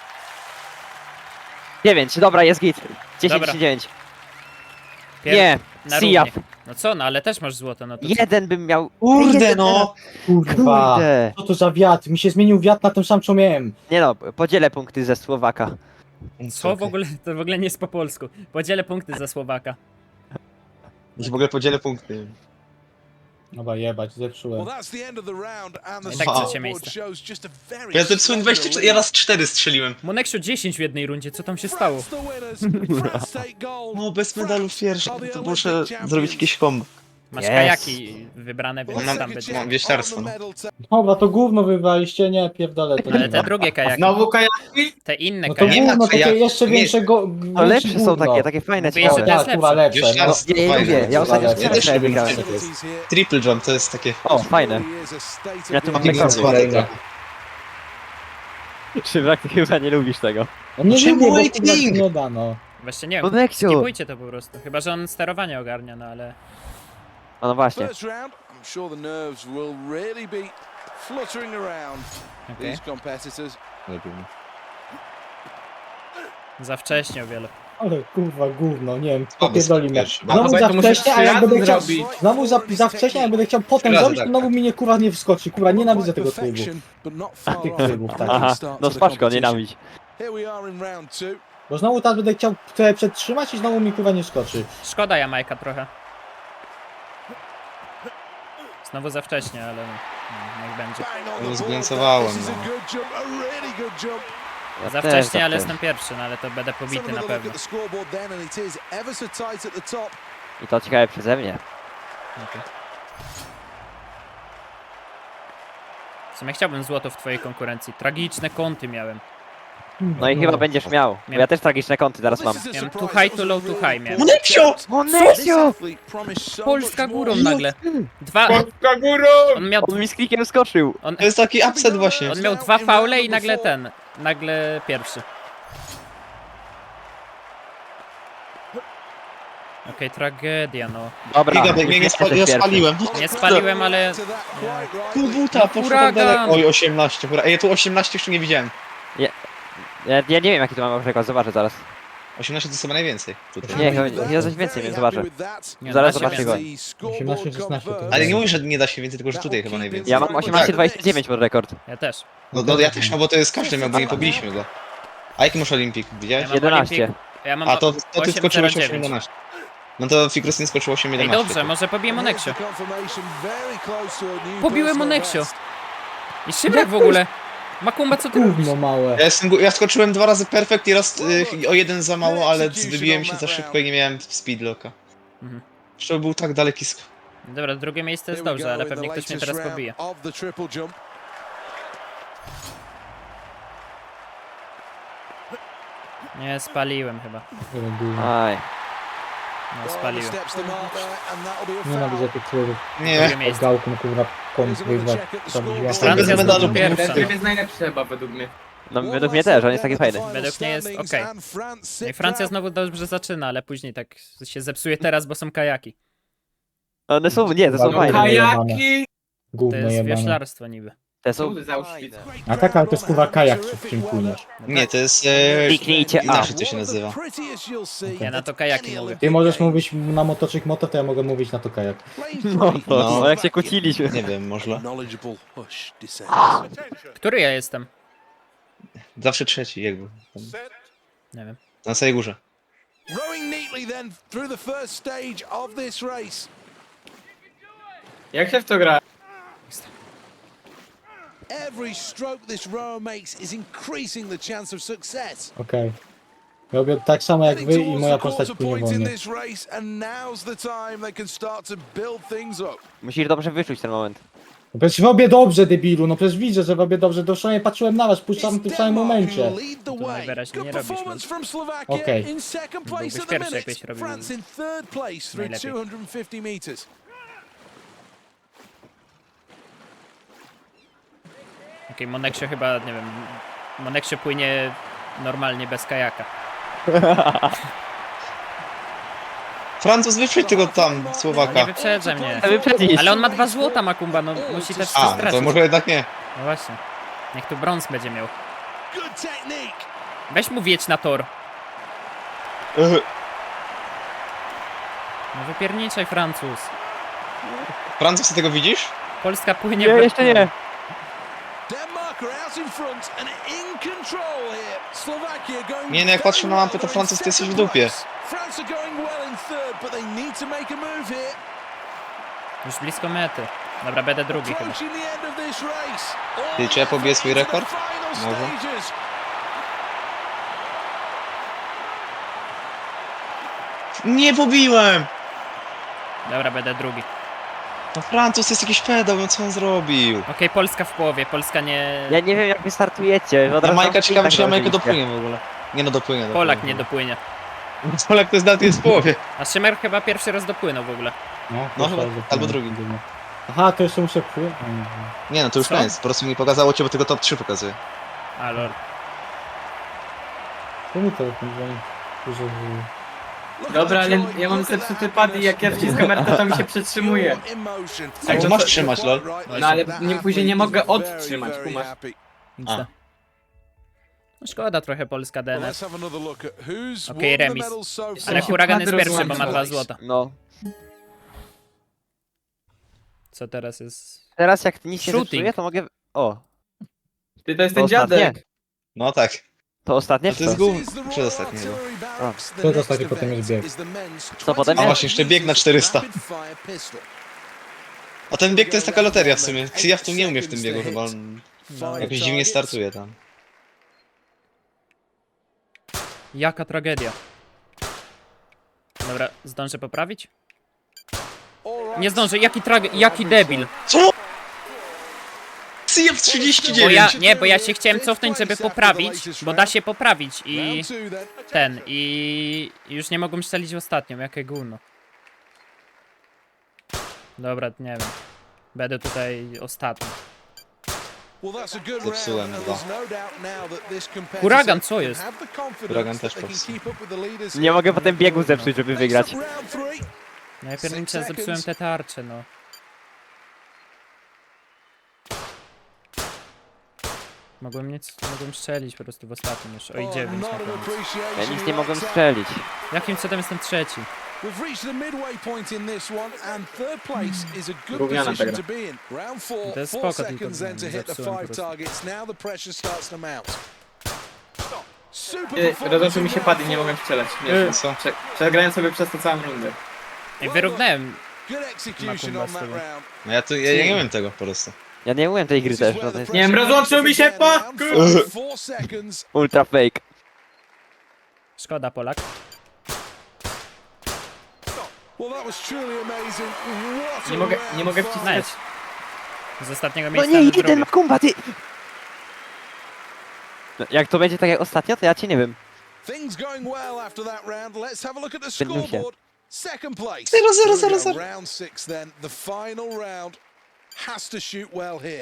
[SPEAKER 3] dziewięć, dobra, jest git. dziesięć
[SPEAKER 2] Dobra.
[SPEAKER 3] czy dziewięć.
[SPEAKER 2] Pier...
[SPEAKER 3] Nie,
[SPEAKER 2] na
[SPEAKER 3] Sijaf.
[SPEAKER 2] równie. No co, no ale też masz złoto, no to co?
[SPEAKER 3] Jeden bym miał.
[SPEAKER 4] Kurde
[SPEAKER 3] Jeden
[SPEAKER 4] no!
[SPEAKER 1] Kurwa.
[SPEAKER 3] Kurde.
[SPEAKER 1] Co to za wiatr? Mi się zmienił wiatr na tym sam, co miałem.
[SPEAKER 3] Nie no, podzielę punkty ze Słowaka.
[SPEAKER 2] Co w ogóle, to w ogóle nie jest po polsku. Podzielę punkty za Słowaka.
[SPEAKER 4] Ja w ogóle podzielę punkty.
[SPEAKER 1] Dobra, jebać,
[SPEAKER 6] Well,
[SPEAKER 1] zepsułem.
[SPEAKER 6] that's the end of the round, and the
[SPEAKER 2] I tak
[SPEAKER 4] trzecie
[SPEAKER 6] scoreboard
[SPEAKER 2] miejsce.
[SPEAKER 6] shows just a very
[SPEAKER 4] Ja zepsułem dwadzieścia cztery, ja raz cztery strzeliłem.
[SPEAKER 2] Moneksiu dziesięć w jednej rundzie, co tam się stało?
[SPEAKER 6] France the winners. France take gold.
[SPEAKER 4] No bez medalu pierwszy,
[SPEAKER 6] are the
[SPEAKER 4] to
[SPEAKER 6] Olympic
[SPEAKER 4] muszę
[SPEAKER 6] champions.
[SPEAKER 4] zrobić jakieś kombo.
[SPEAKER 2] Masz
[SPEAKER 3] Yes.
[SPEAKER 2] kajaki wybrane, więc
[SPEAKER 4] Mam-
[SPEAKER 2] tam będzie.
[SPEAKER 4] mam wieślarstwo, no.
[SPEAKER 1] Dobra, to gówno wywaliście, nie, pierdolę to.
[SPEAKER 2] Ale
[SPEAKER 1] nie
[SPEAKER 2] te
[SPEAKER 1] ma.
[SPEAKER 2] drugie kajaki,
[SPEAKER 5] Znowu kajaki?
[SPEAKER 2] te inne
[SPEAKER 1] No to
[SPEAKER 2] kajaki.
[SPEAKER 4] Nie ma
[SPEAKER 1] gówno, takie
[SPEAKER 4] kajaków,
[SPEAKER 1] jeszcze
[SPEAKER 4] nie.
[SPEAKER 1] większego...
[SPEAKER 3] To lepsze są takie, takie fajne,
[SPEAKER 2] Mówię, że
[SPEAKER 3] ciekawe.
[SPEAKER 2] to jest
[SPEAKER 1] Tak, kurwa,
[SPEAKER 2] lepsze.
[SPEAKER 1] lepsze. No.
[SPEAKER 4] Wieślarstwo
[SPEAKER 3] Nie, nie
[SPEAKER 4] fajne.
[SPEAKER 3] lubię, ja ostatnio
[SPEAKER 4] Ja
[SPEAKER 3] strzelę
[SPEAKER 4] też lubię
[SPEAKER 3] wygrałem.
[SPEAKER 4] Triple jump to jest takie...
[SPEAKER 3] O, fajne. Ja tu mam rekord.
[SPEAKER 1] Kolejne.
[SPEAKER 3] Szybrak, ty chyba nie lubisz tego.
[SPEAKER 1] No nie
[SPEAKER 4] Czemu
[SPEAKER 1] lubię, bo
[SPEAKER 4] waiting?
[SPEAKER 1] kurwa się nie da, no.
[SPEAKER 2] Właśnie nie wiem,
[SPEAKER 3] Moneksiu!
[SPEAKER 2] skipujcie to po prostu. Chyba, że on sterowanie ogarnia, no ale...
[SPEAKER 3] A no właśnie.
[SPEAKER 6] First round, I'm sure the nerves will really be fluttering around
[SPEAKER 2] Okej.
[SPEAKER 6] these competitors.
[SPEAKER 2] Za wcześnie o wiele.
[SPEAKER 1] Ale kurwa gówno, nie wiem,
[SPEAKER 4] Słaby
[SPEAKER 1] popierdoli mnie.
[SPEAKER 4] pierwszy.
[SPEAKER 1] Znowu
[SPEAKER 5] Dawaj,
[SPEAKER 1] za
[SPEAKER 5] to musisz
[SPEAKER 1] wcześnie, a
[SPEAKER 5] trzy
[SPEAKER 1] jak
[SPEAKER 5] razy
[SPEAKER 1] będę chciał...
[SPEAKER 5] zrobić.
[SPEAKER 1] Znowu za, za wcześnie, a jak będę chciał potem
[SPEAKER 4] razy
[SPEAKER 1] zrobić, to
[SPEAKER 4] tak,
[SPEAKER 1] znowu
[SPEAKER 4] tak.
[SPEAKER 1] mi nie kurwa nie wskoczy. Kurwa, nienawidzę tego trybu.
[SPEAKER 6] Perfection, but not far
[SPEAKER 1] Tych
[SPEAKER 6] off.
[SPEAKER 1] trybów, tak.
[SPEAKER 3] Aha, no spaczko, nienawidź.
[SPEAKER 6] Here we are in round two.
[SPEAKER 1] Bo znowu teraz będę chciał trochę przetrzymać i znowu mi kurwa nie skoczy.
[SPEAKER 2] Szkoda Jamajka trochę. Znowu za wcześnie, ale no, no, niech będzie.
[SPEAKER 6] Bang on
[SPEAKER 4] No,
[SPEAKER 6] the
[SPEAKER 4] zglancowałem,
[SPEAKER 6] board. This is a
[SPEAKER 4] no.
[SPEAKER 6] good jump, a really good jump.
[SPEAKER 3] Ja
[SPEAKER 2] Za
[SPEAKER 3] też
[SPEAKER 2] wcześnie,
[SPEAKER 3] za
[SPEAKER 2] ale
[SPEAKER 3] wcześnie.
[SPEAKER 2] jestem pierwszy, no ale to będę
[SPEAKER 6] Let's have
[SPEAKER 2] pobity na
[SPEAKER 6] another look
[SPEAKER 2] pewno.
[SPEAKER 6] at the scoreboard then, and it is ever so tight at the top.
[SPEAKER 3] I to ciekawe przeze mnie.
[SPEAKER 2] Okej. W sumie chciałbym złoto w twojej konkurencji. Tragiczne kąty miałem.
[SPEAKER 3] No i chyba będziesz miał. Bo ja też tragiczne kąty teraz mam.
[SPEAKER 6] This is a
[SPEAKER 2] Miałem
[SPEAKER 6] surprise.
[SPEAKER 2] too high,
[SPEAKER 6] That
[SPEAKER 2] too
[SPEAKER 6] was a
[SPEAKER 2] low, too
[SPEAKER 6] really
[SPEAKER 2] high miałem.
[SPEAKER 4] Moneksio!
[SPEAKER 6] This
[SPEAKER 3] Moneksio!
[SPEAKER 6] athlete promised so
[SPEAKER 2] Polska
[SPEAKER 6] much
[SPEAKER 2] górą
[SPEAKER 6] more.
[SPEAKER 2] nagle. Dwa...
[SPEAKER 5] Polska górą!
[SPEAKER 2] On miał...
[SPEAKER 3] On mi z klikiem skoczył.
[SPEAKER 2] On,
[SPEAKER 4] To jest taki upset właśnie.
[SPEAKER 2] on miał dwa faule i nagle ten. Nagle pierwszy. Okej, tragedia no.
[SPEAKER 3] Dobra,
[SPEAKER 4] Giga, mnie nie spali, ja spaliłem.
[SPEAKER 2] Nie spaliłem, ale...
[SPEAKER 6] To that quite right.
[SPEAKER 4] Pół buta, poszło
[SPEAKER 2] Huragan!
[SPEAKER 4] tak daleko. Oj, osiemnaście, hura. Ej, ja tu osiemnaście jeszcze nie widziałem.
[SPEAKER 3] Ja, ja nie wiem jaki tu mam rekord, zobaczę zaraz.
[SPEAKER 4] osiemnaście to jest chyba najwięcej. Tutaj.
[SPEAKER 3] Nie, chyba nie coś więcej, więc zobaczę.
[SPEAKER 2] Nie,
[SPEAKER 3] Zaraz
[SPEAKER 2] da się
[SPEAKER 3] zobaczcie go.
[SPEAKER 2] więcej.
[SPEAKER 1] osiemnaście szesnaście to
[SPEAKER 4] Ale nie mówisz, że nie da się więcej, tylko że tutaj chyba najwięcej.
[SPEAKER 3] Ja mam osiemnaście dwadzieścia dziewięć pod rekord.
[SPEAKER 2] Ja też.
[SPEAKER 4] No, no ja też, no bo to jest każdy miał, bo nie pobiliśmy go. A jaki masz Olimpik, widziałeś?
[SPEAKER 2] Ja mam
[SPEAKER 3] jedenaście.
[SPEAKER 2] Olimpik- Ja mam
[SPEAKER 4] A to, to ty
[SPEAKER 2] osiem
[SPEAKER 4] skoczyłeś
[SPEAKER 2] zero
[SPEAKER 4] osiem
[SPEAKER 2] dziewięć.
[SPEAKER 4] jedenaście. No to Fikrus nie skoczył osiem
[SPEAKER 2] Ej,
[SPEAKER 4] jedenaście.
[SPEAKER 2] dobrze, może pobiję Moneksio.
[SPEAKER 6] Pobiłem
[SPEAKER 2] Pobiłem Moneksio. I Szybrak w ogóle. Makumba, co ty robisz?
[SPEAKER 1] Gówno małe.
[SPEAKER 4] Ja, jestem, gu- ja skoczyłem dwa razy perfekt i raz y, o jeden za mało, ale wybiłem się za szybko i nie miałem speedlocka.
[SPEAKER 2] Mhm.
[SPEAKER 4] Jeszcze był tak daleki sk...
[SPEAKER 2] Dobra, drugie miejsce jest dobrze, ale pewnie ktoś mnie teraz pobije. Nie, spaliłem chyba.
[SPEAKER 1] Ale gówno.
[SPEAKER 3] Aj.
[SPEAKER 2] No, spaliłem.
[SPEAKER 1] Nienawidzę tych trybów.
[SPEAKER 2] Drugie
[SPEAKER 4] Nie.
[SPEAKER 1] Od
[SPEAKER 2] miejsce.
[SPEAKER 1] gałką kurwa kąt wyjwa.
[SPEAKER 6] Francja
[SPEAKER 2] Francja
[SPEAKER 4] bez medalu.
[SPEAKER 2] znowu
[SPEAKER 5] Tryb
[SPEAKER 2] pierwsza.
[SPEAKER 5] jest najlepszy chyba według mnie.
[SPEAKER 3] No według mnie też, on jest taki fajny.
[SPEAKER 2] Według mnie jest okej. No i Francja znowu dobrze zaczyna, ale później tak się zepsuje teraz, bo są kajaki.
[SPEAKER 3] One są, nie, to są
[SPEAKER 1] No,
[SPEAKER 3] fajne.
[SPEAKER 5] Kajaki!
[SPEAKER 2] To
[SPEAKER 1] Gówno
[SPEAKER 2] jest
[SPEAKER 1] jebane.
[SPEAKER 2] wioślarstwo niby.
[SPEAKER 3] Te są...
[SPEAKER 5] Kurde, za Auschwitz.
[SPEAKER 1] A tak, ale to jest kurwa kajak, w czym płyniesz.
[SPEAKER 4] Nie, to jest... E,
[SPEAKER 3] Kliknijcie A.
[SPEAKER 4] inaczej to się nazywa.
[SPEAKER 2] Ja na to kajaki mówię.
[SPEAKER 1] Ty możesz mówić na motoczyk moto, to ja mogę mówić na to kajak.
[SPEAKER 3] No to,
[SPEAKER 4] No.
[SPEAKER 3] no jak się kłóciliśmy.
[SPEAKER 4] Nie wiem, może.
[SPEAKER 6] Knowledgeable hush descends.
[SPEAKER 2] Który ja jestem?
[SPEAKER 4] Zawsze trzeci, jakby.
[SPEAKER 2] Nie wiem.
[SPEAKER 4] Na samej górze.
[SPEAKER 6] Rowing neatly then through the first stage of this race.
[SPEAKER 5] Jak się w to gra?
[SPEAKER 6] Every stroke this rower makes is increasing the chance of success.
[SPEAKER 1] Okej. Robię tak samo jak
[SPEAKER 6] Heading
[SPEAKER 1] wy i
[SPEAKER 6] towards
[SPEAKER 1] moja
[SPEAKER 6] the
[SPEAKER 1] postać
[SPEAKER 6] quarter
[SPEAKER 1] płynie
[SPEAKER 6] point in
[SPEAKER 1] wolniej.
[SPEAKER 6] this race, and now's the time they can start to build things up.
[SPEAKER 3] Musisz dobrze wyczuć ten moment.
[SPEAKER 1] No przecież robię dobrze, debilu, no przecież widzę, że robię dobrze, to przynajmniej patrzyłem na was, puszczam w tym samym momencie.
[SPEAKER 6] lead the
[SPEAKER 2] To
[SPEAKER 6] way.
[SPEAKER 2] najwyraźniej nie
[SPEAKER 6] Good
[SPEAKER 2] robisz,
[SPEAKER 6] performance
[SPEAKER 2] no.
[SPEAKER 6] from Slovakia
[SPEAKER 1] Okej.
[SPEAKER 6] in second place
[SPEAKER 2] Byłbyś
[SPEAKER 6] at the
[SPEAKER 2] pierwszy,
[SPEAKER 6] minute.
[SPEAKER 2] jakbyś robił
[SPEAKER 6] France in third place through
[SPEAKER 2] najlepiej.
[SPEAKER 6] two hundred fifty meters.
[SPEAKER 2] Okej, Moneksio chyba, nie wiem, Moneksio płynie normalnie bez kajaka.
[SPEAKER 4] Francuz, wyprzedź tego tam,
[SPEAKER 2] Nie
[SPEAKER 4] Słowaka.
[SPEAKER 2] wyprzedza mnie.
[SPEAKER 3] Wyprzedzić.
[SPEAKER 2] Ale on ma dwa złota, Makumba, no musi też
[SPEAKER 4] A,
[SPEAKER 2] coś
[SPEAKER 4] no to
[SPEAKER 2] stracić.
[SPEAKER 4] może jednak nie.
[SPEAKER 2] No właśnie. Niech tu brąz będzie miał.
[SPEAKER 6] Good technique.
[SPEAKER 2] Weź mu wiedź na tor.
[SPEAKER 4] Ech,
[SPEAKER 2] No wypierniczaj, Francuz.
[SPEAKER 4] Francuz, ty tego widzisz?
[SPEAKER 2] Polska płynie
[SPEAKER 3] Nie,
[SPEAKER 2] bez-
[SPEAKER 3] jeszcze nie.
[SPEAKER 6] Denmark are out in front and in control here. Slovakia going
[SPEAKER 4] Nie, no jak patrzę na
[SPEAKER 6] very
[SPEAKER 4] mapę,
[SPEAKER 6] well,
[SPEAKER 4] to
[SPEAKER 6] they're
[SPEAKER 4] Francuz,
[SPEAKER 6] in
[SPEAKER 4] ty jesteś w
[SPEAKER 6] second
[SPEAKER 4] dupie.
[SPEAKER 6] place. France are going well in third, but they need to make a move here.
[SPEAKER 2] Już blisko mety. Dobra, będę drugi chyba.
[SPEAKER 6] Approaching the end of this race.
[SPEAKER 4] Ty, czy ja pobiję swój rekord? Może.
[SPEAKER 6] Stages.
[SPEAKER 4] Nie pobiłem!
[SPEAKER 2] Dobra, będę drugi.
[SPEAKER 4] No Francuz jest jakiś pedał, no co on zrobił?
[SPEAKER 2] Okej, Polska w połowie, Polska nie...
[SPEAKER 3] Ja nie wiem jak wy startujecie. Od
[SPEAKER 4] Ja
[SPEAKER 3] razu
[SPEAKER 4] Majka
[SPEAKER 3] mam
[SPEAKER 4] ciekawe,
[SPEAKER 3] tak
[SPEAKER 4] czy ja Majkę
[SPEAKER 3] założyliście.
[SPEAKER 4] dopłynie w ogóle. Nie no, dopłynie. dopłynie.
[SPEAKER 2] Polak nie dopłynie.
[SPEAKER 4] Polak to jest nawet jest w połowie.
[SPEAKER 2] A Szymer chyba pierwszy raz dopłynął w ogóle.
[SPEAKER 1] No,
[SPEAKER 4] No,
[SPEAKER 1] proszę,
[SPEAKER 4] chyba-
[SPEAKER 1] że-
[SPEAKER 4] albo drugi.
[SPEAKER 1] Aha, to jeszcze muszę płynąć.
[SPEAKER 4] Nie no, to już
[SPEAKER 2] Co?
[SPEAKER 4] koniec. Po prostu mi pokazało cię, bo tylko top trzy pokazuje.
[SPEAKER 2] A lol.
[SPEAKER 1] To mi telefon dzwoni. Że-
[SPEAKER 6] Look
[SPEAKER 5] Dobra,
[SPEAKER 6] at the
[SPEAKER 5] ale
[SPEAKER 6] joy,
[SPEAKER 5] ja mam
[SPEAKER 6] look at
[SPEAKER 5] zepsuty
[SPEAKER 6] that
[SPEAKER 5] pad i jak ja
[SPEAKER 6] happiness.
[SPEAKER 5] wciskam R T, to mi się przytrzymuje.
[SPEAKER 6] Pure emotion.
[SPEAKER 5] Jak
[SPEAKER 4] to masz trzymać, lol.
[SPEAKER 5] No ale
[SPEAKER 6] That
[SPEAKER 5] nie, później nie mogę
[SPEAKER 6] athlete is
[SPEAKER 5] odtrzymać,
[SPEAKER 6] very,
[SPEAKER 5] kumasz.
[SPEAKER 6] very happy.
[SPEAKER 2] Nic
[SPEAKER 4] A.
[SPEAKER 2] da. No szkoda trochę Polska
[SPEAKER 6] Well,
[SPEAKER 2] D N F.
[SPEAKER 6] let's have another look at who's
[SPEAKER 2] Okej,
[SPEAKER 6] won the
[SPEAKER 2] remis.
[SPEAKER 6] medals so far.
[SPEAKER 2] Ale Huragan jest
[SPEAKER 5] Padro
[SPEAKER 2] pierwszy, bo ma
[SPEAKER 5] złamał.
[SPEAKER 2] dwa złota.
[SPEAKER 3] No.
[SPEAKER 2] Co teraz jest?
[SPEAKER 3] Teraz jak nic nie
[SPEAKER 2] Shooting.
[SPEAKER 3] zepsuję, to mogę... O,
[SPEAKER 5] Ty to jest
[SPEAKER 3] To
[SPEAKER 5] ten dziadek.
[SPEAKER 3] ostatnie.
[SPEAKER 4] No tak.
[SPEAKER 3] to ostatnie
[SPEAKER 4] A
[SPEAKER 3] w
[SPEAKER 4] to jest
[SPEAKER 3] co?
[SPEAKER 4] gó-
[SPEAKER 6] This is the
[SPEAKER 4] Przedostatni
[SPEAKER 6] Royal
[SPEAKER 4] chyba.
[SPEAKER 6] Artillery Barracks. The
[SPEAKER 1] Przedostatni,
[SPEAKER 6] next
[SPEAKER 1] potem jest
[SPEAKER 6] event
[SPEAKER 1] bieg.
[SPEAKER 6] is the men's
[SPEAKER 3] Co potem
[SPEAKER 6] twenty
[SPEAKER 4] A właśnie, jeszcze bieg na czterysta.
[SPEAKER 6] rapid fire pistol.
[SPEAKER 4] A ten bieg to jest taka loteria w sumie. Ja w tym nie umiem w tym biegu chyba. On
[SPEAKER 6] Five
[SPEAKER 4] jakoś dziwnie
[SPEAKER 6] targets.
[SPEAKER 4] startuje tam.
[SPEAKER 2] Jaka tragedia. Dobra, zdążę poprawić?
[SPEAKER 6] All right.
[SPEAKER 2] Nie zdążę, jaki trage... jaki debil.
[SPEAKER 4] Co? C F trzydzieści
[SPEAKER 2] Bo
[SPEAKER 4] dziewięć!
[SPEAKER 2] ja, nie, bo ja się chciałem cofnąć, żeby poprawić, bo da się poprawić i
[SPEAKER 6] Round two then.
[SPEAKER 2] ten, i już nie mogłem strzelić w ostatnią, jakie gówno. Dobra, nie wiem. Będę tutaj ostatni.
[SPEAKER 6] Well, that's a good
[SPEAKER 4] Zepsułem
[SPEAKER 6] round.
[SPEAKER 4] dwa.
[SPEAKER 6] There's no doubt now that this competitor
[SPEAKER 2] Huragan, co
[SPEAKER 6] can
[SPEAKER 2] jest?
[SPEAKER 6] have the confidence
[SPEAKER 4] Huragan też
[SPEAKER 6] that they can
[SPEAKER 4] popsuł.
[SPEAKER 6] keep up with the leaders
[SPEAKER 3] Nie mogę potem biegu zepsuć, żeby
[SPEAKER 6] Next
[SPEAKER 3] wygrać.
[SPEAKER 6] up, round three.
[SPEAKER 2] No ja pierniczę zepsułem te tarcze, no. Mogłem nic, mogłem strzelić po prostu w ostatnim już. Oj,
[SPEAKER 6] Oh,
[SPEAKER 2] dziewięć
[SPEAKER 6] not
[SPEAKER 2] na
[SPEAKER 6] an
[SPEAKER 2] koniec.
[SPEAKER 6] appreciation
[SPEAKER 3] Ja nic nie mogłem
[SPEAKER 6] right
[SPEAKER 3] strzelić.
[SPEAKER 2] Jakim cudem jestem trzeci?
[SPEAKER 6] We've reached the midway point in this one, and third place is a good
[SPEAKER 5] Gówniana
[SPEAKER 6] position
[SPEAKER 5] ta
[SPEAKER 6] to be in. Round four,
[SPEAKER 2] To jest
[SPEAKER 6] four
[SPEAKER 2] spoko, tylko
[SPEAKER 6] seconds then to hit the
[SPEAKER 2] zepsułem po
[SPEAKER 6] five
[SPEAKER 2] prostu.
[SPEAKER 6] targets. Now the pressure starts to mount. Super
[SPEAKER 5] Ty,
[SPEAKER 6] performance
[SPEAKER 5] Rozłączył mi się
[SPEAKER 6] in
[SPEAKER 5] pad i
[SPEAKER 6] round
[SPEAKER 5] nie
[SPEAKER 6] four.
[SPEAKER 5] mogłem strzelać.
[SPEAKER 2] Yy.
[SPEAKER 5] Nie,
[SPEAKER 4] Co?
[SPEAKER 5] prze, przegrałem sobie przez to całą rundę.
[SPEAKER 2] I wyrównałem.
[SPEAKER 6] Good execution
[SPEAKER 2] Makumba
[SPEAKER 6] on
[SPEAKER 2] z
[SPEAKER 6] that
[SPEAKER 2] tyłu.
[SPEAKER 6] round.
[SPEAKER 4] No ja tu, ja, ja nie wiem tego po prostu.
[SPEAKER 3] Ja nie umiem tej gry
[SPEAKER 6] This is
[SPEAKER 3] też.
[SPEAKER 6] where
[SPEAKER 3] No to
[SPEAKER 6] the
[SPEAKER 3] jest
[SPEAKER 5] Nie wiem,
[SPEAKER 6] pressure
[SPEAKER 5] rozłączył mi się
[SPEAKER 6] mounts up
[SPEAKER 5] pad,
[SPEAKER 6] again.
[SPEAKER 5] kurde.
[SPEAKER 6] Round four seconds.
[SPEAKER 3] ultra fake.
[SPEAKER 2] Szkoda, Polak.
[SPEAKER 6] Well, that was truly amazing. What a
[SPEAKER 5] Nie mogę,
[SPEAKER 6] round
[SPEAKER 5] nie mogę
[SPEAKER 6] five.
[SPEAKER 5] wciskać.
[SPEAKER 2] Z ostatniego
[SPEAKER 3] No
[SPEAKER 2] miejsca
[SPEAKER 3] nie,
[SPEAKER 2] na
[SPEAKER 3] jeden
[SPEAKER 2] drugie.
[SPEAKER 3] Makumba, ty! No, jak to będzie tak jak ostatnio, to ja cię nie wiem.
[SPEAKER 6] Things going well after that round. Let's have a look at the
[SPEAKER 3] Będę się.
[SPEAKER 6] scoreboard. Second place.
[SPEAKER 4] Zero, zero,
[SPEAKER 6] Here we
[SPEAKER 4] zero,
[SPEAKER 6] go,
[SPEAKER 4] zero.
[SPEAKER 6] Round six then. The final round has to shoot well here.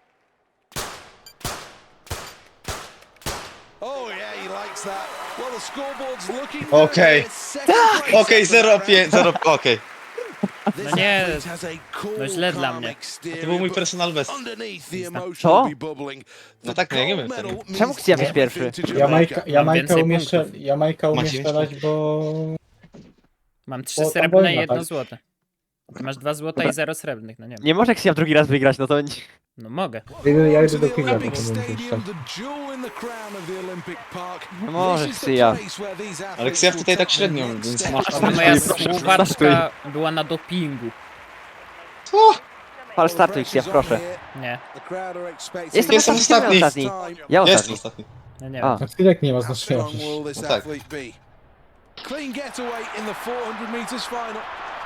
[SPEAKER 6] Oh yeah, he likes that. Well, the scoreboard's looking good
[SPEAKER 4] Okay.
[SPEAKER 6] here. Second place
[SPEAKER 4] Okej,
[SPEAKER 6] after
[SPEAKER 4] zero
[SPEAKER 6] that
[SPEAKER 4] pięć,
[SPEAKER 6] round.
[SPEAKER 4] zero, okej.
[SPEAKER 6] This
[SPEAKER 2] No nie,
[SPEAKER 6] athlete has a cool,
[SPEAKER 2] no źle dla
[SPEAKER 6] calm
[SPEAKER 2] mnie.
[SPEAKER 6] exterior,
[SPEAKER 4] To był mój
[SPEAKER 6] but
[SPEAKER 4] personal best.
[SPEAKER 6] underneath the emotion
[SPEAKER 3] Co?
[SPEAKER 6] will be bubbling.
[SPEAKER 4] No
[SPEAKER 6] The
[SPEAKER 4] tak, no ja nie
[SPEAKER 6] gold
[SPEAKER 4] wiem tego.
[SPEAKER 6] medal
[SPEAKER 3] Czemu
[SPEAKER 6] means
[SPEAKER 3] chcesz być
[SPEAKER 6] everything
[SPEAKER 3] pierwszy?
[SPEAKER 6] to
[SPEAKER 1] Ja
[SPEAKER 6] Jamaica.
[SPEAKER 1] Majka, ja
[SPEAKER 2] Mam
[SPEAKER 1] Majka
[SPEAKER 2] więcej
[SPEAKER 1] umie,
[SPEAKER 2] punktów.
[SPEAKER 1] strzel- ja Majka umie
[SPEAKER 4] Macie
[SPEAKER 1] strzelać, bo...
[SPEAKER 2] Mam trzy
[SPEAKER 1] O, tam
[SPEAKER 2] srebrne i
[SPEAKER 1] wojna,
[SPEAKER 2] jedno
[SPEAKER 1] tak.
[SPEAKER 2] złote. Ty masz dwa złota i zero srebrnych, no nie wiem.
[SPEAKER 3] Nie może Ksja w drugi raz wygrać, no to... nie-
[SPEAKER 2] No mogę.
[SPEAKER 1] Ja idę- ja idę
[SPEAKER 6] To
[SPEAKER 1] do
[SPEAKER 6] the
[SPEAKER 1] Kigla,
[SPEAKER 6] Olympic
[SPEAKER 1] potem będę
[SPEAKER 6] Stadium,
[SPEAKER 1] strzelać.
[SPEAKER 6] the jewel in the crown of the Olympic Park.
[SPEAKER 3] Nie może
[SPEAKER 6] This is the
[SPEAKER 3] Ksja.
[SPEAKER 6] place where these
[SPEAKER 4] Ale
[SPEAKER 6] athletes
[SPEAKER 4] Ksja
[SPEAKER 6] will
[SPEAKER 4] tutaj tak
[SPEAKER 6] take
[SPEAKER 4] średnio,
[SPEAKER 6] the next
[SPEAKER 4] więc
[SPEAKER 6] step.
[SPEAKER 4] masz
[SPEAKER 2] A
[SPEAKER 4] tam...
[SPEAKER 2] moja
[SPEAKER 3] Startuj, proszę,
[SPEAKER 2] Słowaczka była na dopingu.
[SPEAKER 4] Co?
[SPEAKER 3] Pal startuj Ksja, proszę.
[SPEAKER 2] Nie,
[SPEAKER 6] The crowd are expecting
[SPEAKER 3] Jestem
[SPEAKER 4] Jestem
[SPEAKER 3] ostatni.
[SPEAKER 4] ostatni.
[SPEAKER 3] ostatni. Ja
[SPEAKER 4] Jestem
[SPEAKER 3] ostatni.
[SPEAKER 4] ostatni.
[SPEAKER 2] no nie
[SPEAKER 3] A.
[SPEAKER 2] wiem.
[SPEAKER 1] No Skilek nie ma
[SPEAKER 6] How
[SPEAKER 1] znaczenia
[SPEAKER 6] strong
[SPEAKER 1] przecież.
[SPEAKER 6] will this
[SPEAKER 4] No tak.
[SPEAKER 6] athlete be? Clean getaway in the four hundred meters final.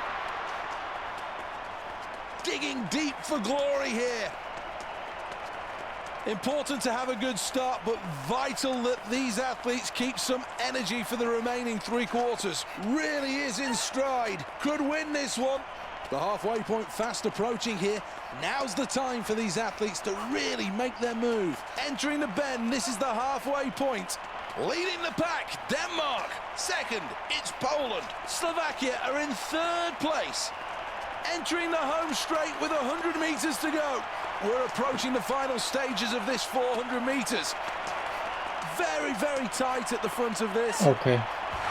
[SPEAKER 6] Digging deep for glory here. Important to have a good start, but vital that these athletes keep some energy for the remaining three quarters. Really is in stride. Could win this one. The halfway point fast approaching here. Now's the time for these athletes to really make their move. Entering the bend, this is the halfway point. Leading the pack, Denmark. Second, it's Poland. Slovakia are in third place. Entering the home straight with one hundred meters to go. We're approaching the final stages of this four hundred meters. Very, very tight at the front of this.
[SPEAKER 1] Okej.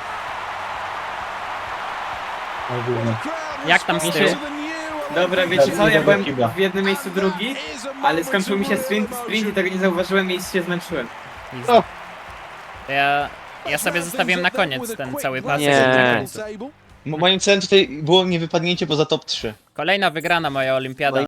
[SPEAKER 1] No głównie.
[SPEAKER 2] Jak tam z tyłu?
[SPEAKER 5] Dobra, wiecie co, ja byłem
[SPEAKER 1] Kibla.
[SPEAKER 5] w jednym miejscu drugi, ale skończył mi się sprint, sprint i tego nie zauważyłem i się zmęczyłem.
[SPEAKER 2] Easy. Ja, ja sobie zostawiłem na koniec ten cały pasek
[SPEAKER 3] Nie.
[SPEAKER 2] na końcu.
[SPEAKER 4] Mo- Moim celem tutaj było nie wypadnięcie poza top trzy.
[SPEAKER 2] Kolejna wygrana moja olimpiada.